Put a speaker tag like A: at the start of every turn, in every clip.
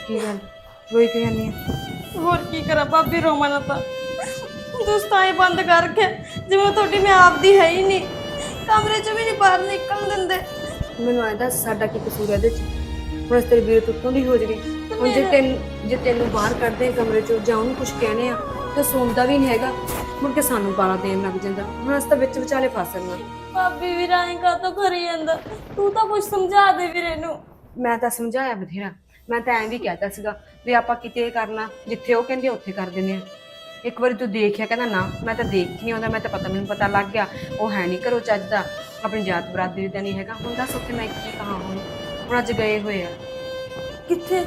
A: ਕੀ ਗੱਲ ਰੋਈ ਕਿਉਂ ਜਾਂਦੀ ਆ?
B: ਹੋਰ ਕੀ ਕਰਾਂ ਭਾਬੀ, ਰੋਵਾਂ ਨਾ ਤਾਂ ਦੋਸਤਾਂ ਬੰਦ ਕਰਕੇ ਜਿਵੇਂ ਤੁਹਾਡੀ ਮੈਂ ਆਪਦੀ ਹੈ ਹੀ ਨਹੀਂ, ਕਮਰੇ ਚੋਂ ਵੀ ਨਹੀਂ ਬਾਹਰ ਨਿਕਲਣ ਦਿੰਦੇ।
A: ਮੈਨੂੰ ਐਂ ਦੱਸ ਸਾਡਾ ਕੀ ਕਸੂਰ ਹੈ ਇਹਦੇ ਚ? ਹੁਣ ਤੇਰੀ ਵੀਰ ਤੁੱਤੋਂ ਦੀ ਹੋ ਜਗੀ। ਹੁਣ ਜੇ ਤੈਨੂੰ ਬਾਹਰ ਕੱਢਦੇ ਕਮਰੇ ਚੋਂ ਜਾਂ ਉਹਨੂੰ ਕੁਝ ਕਹਿੰਦੇ ਆ ਤਾਂ ਸੁਣਦਾ ਵੀ ਨਹੀਂ ਹੈਗਾ, ਮੁੜ ਕੇ ਸਾਨੂੰ ਗਾਲਾਂ ਦੇਣ ਲੱਗ ਜਾਂਦਾ। ਹੁਣ ਅਸੀਂ ਤਾਂ ਵਿੱਚ ਵਿਚਾਲੇ ਫਸ ਗਏ।
B: ਭਾਬੀ ਵੀ ਰਾਹੀਂ ਕਾਤੋਂ ਕਰੀ ਜਾਂਦਾ, ਤੂੰ ਤਾਂ ਕੁਝ ਸਮਝਾ ਦੇ ਵੀਰੇ ਨੂੰ।
A: ਮੈਂ ਤਾਂ ਸਮਝਾਇਆ ਬਥੇਰਾ, ਮੈਂ ਤਾਂ ਐਂ ਵੀ ਕਹਿਤਾ ਸੀਗਾ ਵੀ ਆਪਾਂ ਕਿਤੇ ਕਰਨਾ, ਜਿੱਥੇ ਉਹ ਕਹਿੰਦੇ ਉੱਥੇ ਕਰ ਦਿੰਦੇ ਆ। ਇੱਕ ਵਾਰੀ ਤੂੰ ਦੇਖਿਆ, ਕਹਿੰਦਾ ਨਾ ਮੈਂ ਤਾਂ ਦੇਖ ਨਹੀਂ ਆਉਂਦਾ, ਮੈਂ ਤਾਂ ਪਤਾ ਮੈਨੂੰ ਪਤਾ ਲੱਗ ਗਿਆ ਉਹ ਹੈ ਨਹੀਂ ਘਰੋਂ ਚੱਜ ਦਾ, ਆਪਣੀ ਜਾਤ ਬਰਾਦਰੀ ਦਾ ਨਹੀਂ ਹੈਗਾ। ਹੁਣ ਦੱਸ ਉੱਥੇ ਮੈਂ ਕੀ ਕਹਾਂ? ਹੁਣ ਅੱਜ ਗਏ ਹੋਏ ਆ।
B: ਕਿੱਥੇ?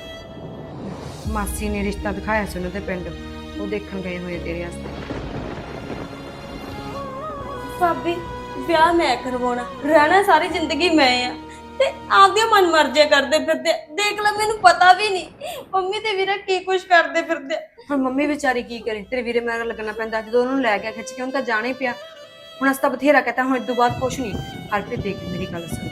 A: ਮਾਸੀ ਨੇ ਰਿਸ਼ਤਾ ਦਿਖਾਇਆ ਸੀ ਉਹਨਾਂ ਦੇ ਪਿੰਡ, ਉਹ ਦੇਖਣ ਗਏ ਹੋਏ ਤੇਰੇ ਵਾਸਤੇ।
B: ਭਾਬੀ ਵਿਆਹ ਮੈਂ ਕਰਵਾਉਣਾ, ਰਹਿਣਾ ਸਾਰੀ ਜ਼ਿੰਦਗੀ ਮੈਂ ਆ, ਤੇ ਆਪਦੀਆਂ ਮਨ ਮਰਜ਼ੀਆਂ ਕਰਦੇ ਫਿਰਦੇ। ਦੇਖ ਲੈ ਮੈਨੂੰ ਪਤਾ ਵੀ ਨਹੀਂ ਮੰਮੀ ਤੇ ਵੀਰਾ ਕੀ ਕੁਝ ਕਰਦੇ ਫਿਰਦੇ।
A: ਹੁਣ ਮੰਮੀ ਵਿਚਾਰੀ ਕੀ ਕਰੇ? ਤੇਰੇ ਵੀਰੇ ਮਗਰ ਲੱਗਣਾ ਪੈਂਦਾ, ਜਦੋਂ ਉਹਨੂੰ ਲੈ ਗਿਆ ਖਿੱਚ ਕੇ ਉਹਨੂੰ ਤਾਂ ਜਾਣਾ ਹੀ ਪਿਆ। ਹੁਣ ਅਸੀਂ ਤਾਂ ਬਥੇਰਾ ਕਹਤਾ, ਹੁਣ ਇਸ ਤੋਂ ਬਾਅਦ ਕੁਛ ਨਹੀਂ। ਹਰਪ੍ਰੀਤ ਦੇਖ ਮੇਰੀ ਗੱਲ ਸੁਣ,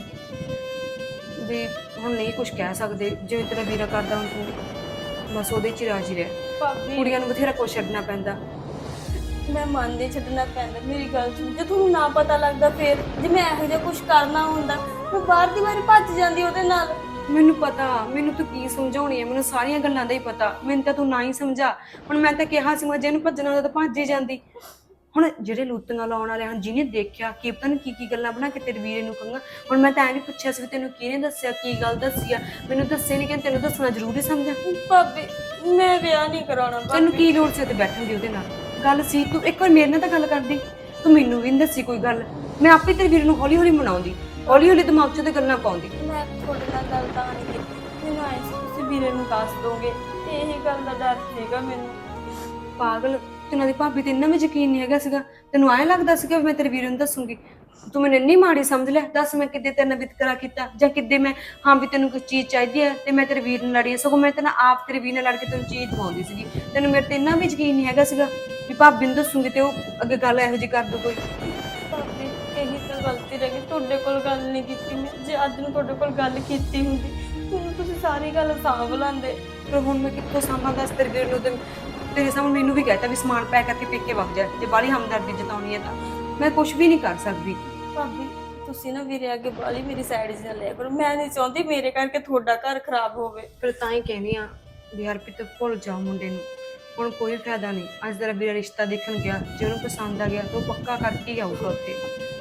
A: ਵੀ ਹੁਣ ਨਹੀਂ ਕੁਝ ਕਹਿ ਸਕਦੇ, ਜਿਵੇਂ ਤੇਰਾ ਵੀਰਾ ਕਰਦਾ ਹੁਣ ਤੂੰ ਬਸ ਉਹਦੇ 'ਚ ਹੀ ਰਾਜੀ ਰਹਿ।
B: ਭਾਬੀ
A: ਕੁੜੀਆਂ ਨੂੰ ਬਥੇਰਾ ਕੁਛ ਛੱਡਣਾ ਪੈਂਦਾ।
B: ਮੈਂ ਮੰਨਦੇ, ਛੱਡਣਾ ਪੈਂਦਾ। ਮੇਰੀ ਗੱਲ ਸੁਣ, ਜੇ ਤੁਹਾਨੂੰ ਨਾ ਪਤਾ ਲੱਗਦਾ ਫੇਰ, ਜੇ ਮੈਂ ਇਹੋ ਜਿਹਾ ਕੁਝ ਕਰਨਾ ਹੁੰਦਾ ਮੈਂ ਬਾਹਰ ਦੀ ਵਾਰੀ ਭੱਜ ਜਾਂਦੀ ਉਹਦੇ ਨਾਲ।
A: ਮੈਨੂੰ ਪਤਾ, ਮੈਨੂੰ ਤੂੰ ਕੀ ਸਮਝਾਉਣੀ ਹੈ, ਮੈਨੂੰ ਸਾਰੀਆਂ ਗੱਲਾਂ ਦਾ ਹੀ ਪਤਾ। ਮੈਨੂੰ ਤਾਂ ਤੂੰ ਨਾ ਹੀ ਸਮਝਾ। ਹੁਣ ਮੈਂ ਤਾਂ ਕਿਹਾ ਸੀ ਜੇ ਇਹਨੂੰ ਭੱਜਣਾ ਹੁੰਦਾ ਤਾਂ ਭੱਜ ਹੀ ਜਾਂਦੀ। ਹੁਣ ਜਿਹੜੇ ਲੂਤੀਆਂ ਲਾਉਣ ਵਾਲੇ ਹਨ, ਜਿਹਨੇ ਦੇਖਿਆ ਕੀ ਪਤਾ ਕੀ ਕੀ ਗੱਲਾਂ ਬਣਾ ਕੇ ਤੇਰੇ ਵੀਰੇ ਨੂੰ ਕਹਾਂਗਾ। ਹੁਣ ਮੈਂ ਤਾਂ ਐਂ ਵੀ ਪੁੱਛਿਆ ਸੀ ਵੀ ਤੈਨੂੰ ਕਿਹਨੇ ਦੱਸਿਆ, ਕੀ ਗੱਲ ਦੱਸੀ ਆ? ਮੈਨੂੰ ਦੱਸੇ ਨਹੀਂ, ਕਹਿੰਦੇ ਤੈਨੂੰ ਦੱਸਣਾ ਜ਼ਰੂਰੀ ਸਮਝਾਂ।
B: ਭਾਬੀ ਮੈਂ ਵਿਆਹ ਨਹੀਂ ਕਰਾਉਣਾ।
A: ਤੈਨੂੰ ਕੀ ਲੋੜ ਸੀ ਉੱਥੇ ਬੈਠਣ ਦੀ? ਉਹਦੇ ਨਾਲ ਗੱਲ ਸੀ, ਤੂੰ ਇੱਕ ਵਾਰ ਮੇਰੇ ਨਾਲ ਤਾਂ ਗੱਲ ਕਰਦੀ। ਤੂੰ ਮੈਨੂੰ ਵੀ ਨਹੀਂ ਦੱਸੀ ਕੋਈ ਗੱਲ, ਮੈਂ ਆਪੇ ਤੇਰੇ ਵੀਰੇ ਨੂੰ ਹੌਲੀ ਹੌਲੀ ਮਨਾਉਂਦੀ, ਹੌਲੀ ਹੌਲੀ ਦਿਮਾਗ 'ਚ ਤੇ ਗੱਲਾਂ ਪਾਉਂਦੀ।
B: ਮੈਂ ਤੁਹਾਡੇ ਨਾਲ ਗੱਲ ਤਾਂ ਨਹੀਂ ਕੀਤੀ, ਮੈਨੂੰ ਆਏ ਸੀ ਤੁਸੀਂ ਵੀਰੇ ਨੂੰ ਦੱਸ ਦੋਗੇ, ਤੇ ਇਹੀ ਗੱਲ ਦਾ ਡਰ ਸੀਗਾ ਮੈਨੂੰ।
A: ਪਾਗਲ, ਤੈਨੂੰ ਦੀ ਭਾਬੀ ਤੇ ਇੰਨਾ ਵੀ ਯਕੀਨ ਨਹੀਂ ਹੈਗਾ ਸੀਗਾ? ਤੈਨੂੰ ਐਂ ਲੱਗਦਾ ਸੀਗਾ ਵੀ ਮੈਂ ਤੇਰੇ ਵੀਰੇ ਨੂੰ ਦੱਸੂਗੀ? ਤੂੰ ਮੈਨੂੰ ਇੰਨੀ ਮਾੜੀ ਸਮਝ ਲੈ। ਦੱਸ ਮੈਂ ਕਿੱਦੇ ਤੇਰੇ ਨਾਲ ਵਿਤਕਰਾ ਕੀਤਾ, ਜਾਂ ਕਿੱਦੇ ਮੈਂ ਹਾਂ ਵੀ ਤੈਨੂੰ ਕੋਈ ਚੀਜ਼ ਚਾਹੀਦੀ ਹੈ ਤੇ ਮੈਂ ਤੇਰੇ ਵੀਰ ਨਾਲ ਲੜੀ? ਸਗੋਂ ਮੈਂ ਤੈਨੂੰ ਆਪ ਤੇਰੇ ਵੀਰ ਨਾਲ ਲੜ ਕੇ ਤੈਨੂੰ ਚੀਜ਼ ਦਵਾਉਂਦੀ ਸੀਗੀ। ਤੈਨੂੰ ਮੇਰੇ ਤੇ ਇੰਨਾ ਵੀ ਯਕੀਨ ਨਹੀਂ ਹੈਗਾ ਸੀਗਾ ਵੀ ਭਾਬੀ ਨੂੰ ਦੱਸੂਗੀ ਤੇ ਉਹ ਅੱਗੇ ਗੱਲ ਇਹੋ ਜਿਹੀ ਕਰ ਦੂ ਕੋਈ?
B: ਭਾਬੀ ਇਹੀ ਤਾਂ ਗਲਤੀ ਰਹਿ ਗਈ, ਤੁਹਾਡੇ ਕੋਲ ਗੱਲ ਨਹੀਂ ਕੀਤੀ ਮੈਂ। ਜੇ ਅੱਜ ਨੂੰ ਤੁਹਾਡੇ ਕੋਲ ਗੱਲ ਕੀਤੀ ਹੁੰਦੀ ਤੁਹਾਨੂੰ ਤੁਸੀਂ ਸਾਰੀ ਗੱਲ ਸਾਂਭ ਲੈਂਦੇ।
A: ਪਰ ਹੁਣ ਮੈਂ ਕਿੱਥੋਂ ਸਾਂਭਾਂ? ਦੱਸ ਤੇਰੇ ਵੀਰ ਨੂੰ ਤੇ ਤੇਰੇ ਸਾਹਮਣੇ ਮੈਨੂੰ ਵੀ ਕਹਿਤਾ ਵੀ ਸਮਾਨ ਪੈਕ ਕਰਕੇ ਪੇਕੇ ਵਗ ਜਾ, ਜੇ ਬਾਹਲੀ ਹਮਦਰਦੀ ਜਤਾਉਣੀ ਹੈ ਤਾਂ ਮੈਂ ਕੁਝ ਵੀ ਨਹੀਂ ਕਰ ਸਕਦੀ।
B: ਭਾਬੀ ਤੁਸੀਂ ਨਾ ਵੀਰੇ ਅੱਗੇ ਬਾਲੀ ਮੇਰੀ ਸਾਈਡ 'ਚ ਲਿਆ ਕਰੋ, ਮੈਂ ਨਹੀਂ ਚਾਹੁੰਦੀ ਮੇਰੇ ਕਰਕੇ ਤੁਹਾਡਾ ਘਰ ਖਰਾਬ ਹੋਵੇ।
A: ਫਿਰ ਤਾਂ ਹੀ ਕਹਿੰਦੀ ਆ ਵੀ ਹਰਪ੍ਰੀਤ ਭੁੱਲ ਜਾਓ ਮੁੰਡੇ ਨੂੰ, ਹੁਣ ਕੋਈ ਫਾਇਦਾ ਨਹੀਂ। ਅੱਜ ਤੇਰਾ ਵੀਰਾ ਰਿਸ਼ਤਾ ਦੇਖਣ ਗਿਆ, ਜੇ ਉਹਨੂੰ ਪਸੰਦ ਆ ਗਿਆ ਤਾਂ ਉਹ ਪੱਕਾ ਕਰਕੇ ਹੀ ਆਊਗਾ ਉੱਥੇ।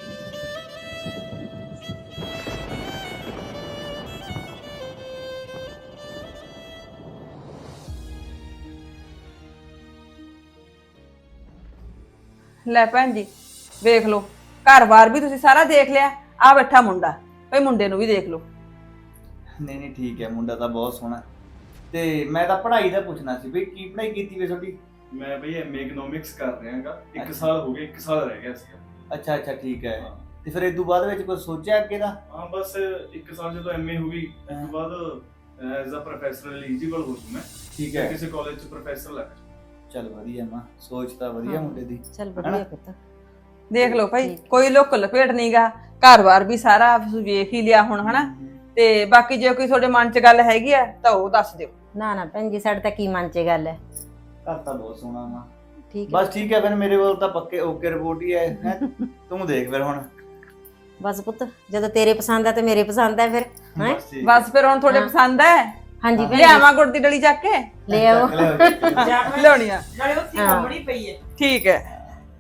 C: ਲੈ ਭੈਣ ਜੀ ਵੇਖ ਲਓ, ਘਰ-ਬਾਰ ਵੀ ਤੁਸੀਂ ਸਾਰਾ ਦੇਖ ਲਿਆ। ਆ ਬੈਠਾ ਮੁੰਡਾ, ਭਈ ਮੁੰਡੇ ਨੂੰ ਵੀ ਦੇਖ ਲਓ।
D: ਨਹੀਂ ਨਹੀਂ ਠੀਕ ਹੈ, ਮੁੰਡਾ ਤਾਂ ਬਹੁਤ ਸੋਹਣਾ। ਤੇ ਮੈਂ ਤਾਂ ਪੜ੍ਹਾਈ ਦਾ ਪੁੱਛਣਾ ਸੀ ਵੀ ਕੀ ਪੜ੍ਹਾਈ ਕੀਤੀ ਵੇ ਤੁਹਾਡੀ?
E: ਮੈਂ ਬਈ ਐਮਏ ਇਕਨੋਮਿਕਸ ਕਰ ਰਿਹਾਗਾ, 1 ਸਾਲ ਹੋ ਗਿਆ, 1 ਸਾਲ ਰਹਿ ਗਿਆ ਸੀ।
D: ਅੱਛਾ ਅੱਛਾ ਠੀਕ ਹੈ। ਤੇ ਫਿਰ ਇਸ ਤੋਂ ਬਾਅਦ ਵਿੱਚ ਕੁਝ ਸੋਚਿਆ ਅੱਗੇ ਦਾ?
E: ਹਾਂ ਬਸ 1 ਸਾਲ ਜਦੋਂ ਐਮਏ ਹੋ ਗਈ ਉਸ ਤੋਂ ਬਾਅਦ ਐਜ਼ ਅ ਪ੍ਰੋਫੈਸਰ ਐਲੀਜੀਬਲ ਹੋ ਜੂ ਮੈਂ।
D: ਠੀਕ ਹੈ,
E: ਕਿਸੇ ਕਾਲਜ 'ਚ ਪ੍ਰੋਫੈਸਰ ਲੱਗ ਜੂ।
D: ਚੱਲ ਵਧੀਆ ਮਾਂ, ਸੋਚ ਤਾਂ ਵਧੀਆ ਮੁੰਡੇ ਦੀ।
F: ਚੱਲ ਵਧੀਆ ਪੁੱਤ।
C: ਦੇਖ ਲਓ ਭਾਈ, ਕੋਈ ਲੁੱਕ ਲਪੇਟ ਨਹੀਂਗਾ, ਘਰ-ਬਾਰ ਵੀ ਸਾਰਾ ਤੁਸੀਂ ਵੇਖ ਹੀ ਲਿਆ ਹੁਣ, ਹਨਾ? ਤੇ ਬਾਕੀ ਜੇ ਕੋਈ ਤੁਹਾਡੇ ਮਨ 'ਚ ਗੱਲ ਹੈਗੀ ਆ ਤਾਂ ਉਹ ਦੱਸ ਦਿਓ।
F: ਨਾ ਨਾ ਭੈਣ ਜੀ, ਸਾਡੇ ਤਾਂ ਕੀ ਮਨ 'ਚ ਗੱਲ ਹੈ।
D: ਘਰ ਤਾਂ ਬਹੁਤ ਸੋਹਣਾ ਮਾਂ।
F: ਠੀਕ ਹੈ
D: ਬਸ ਠੀਕ ਹੈ, ਫਿਰ ਮੇਰੇ ਕੋਲ ਤਾਂ ਪੱਕੇ ਓਕੇ ਰਿਪੋਰਟ ਹੀ ਹੈ। ਤੂੰ ਦੇਖ ਫਿਰ ਹੁਣ।
F: ਬਸ ਪੁੱਤ, ਜਦੋਂ ਤੇਰੇ ਪਸੰਦ ਆ ਤੇ ਮੇਰੇ ਪਸੰਦ ਆ ਫਿਰ ਹੈ।
D: ਬਸ ਠੀਕ
C: ਬਸ ਫਿਰ ਹੁਣ ਤੁਹਾਡੇ ਪਸੰਦ ਹੈ?
F: ਹਾਂਜੀ ਭੈਣ ਜੀ,
C: ਲਿਆਵਾਂ ਗੁੜ ਦੀ ਡਲੀ ਚੱਕ ਕੇ
F: ਲੈ ਆਓ।
C: ਲਿਆਉਣੀ ਆ, ਠੀਕ ਹੈ।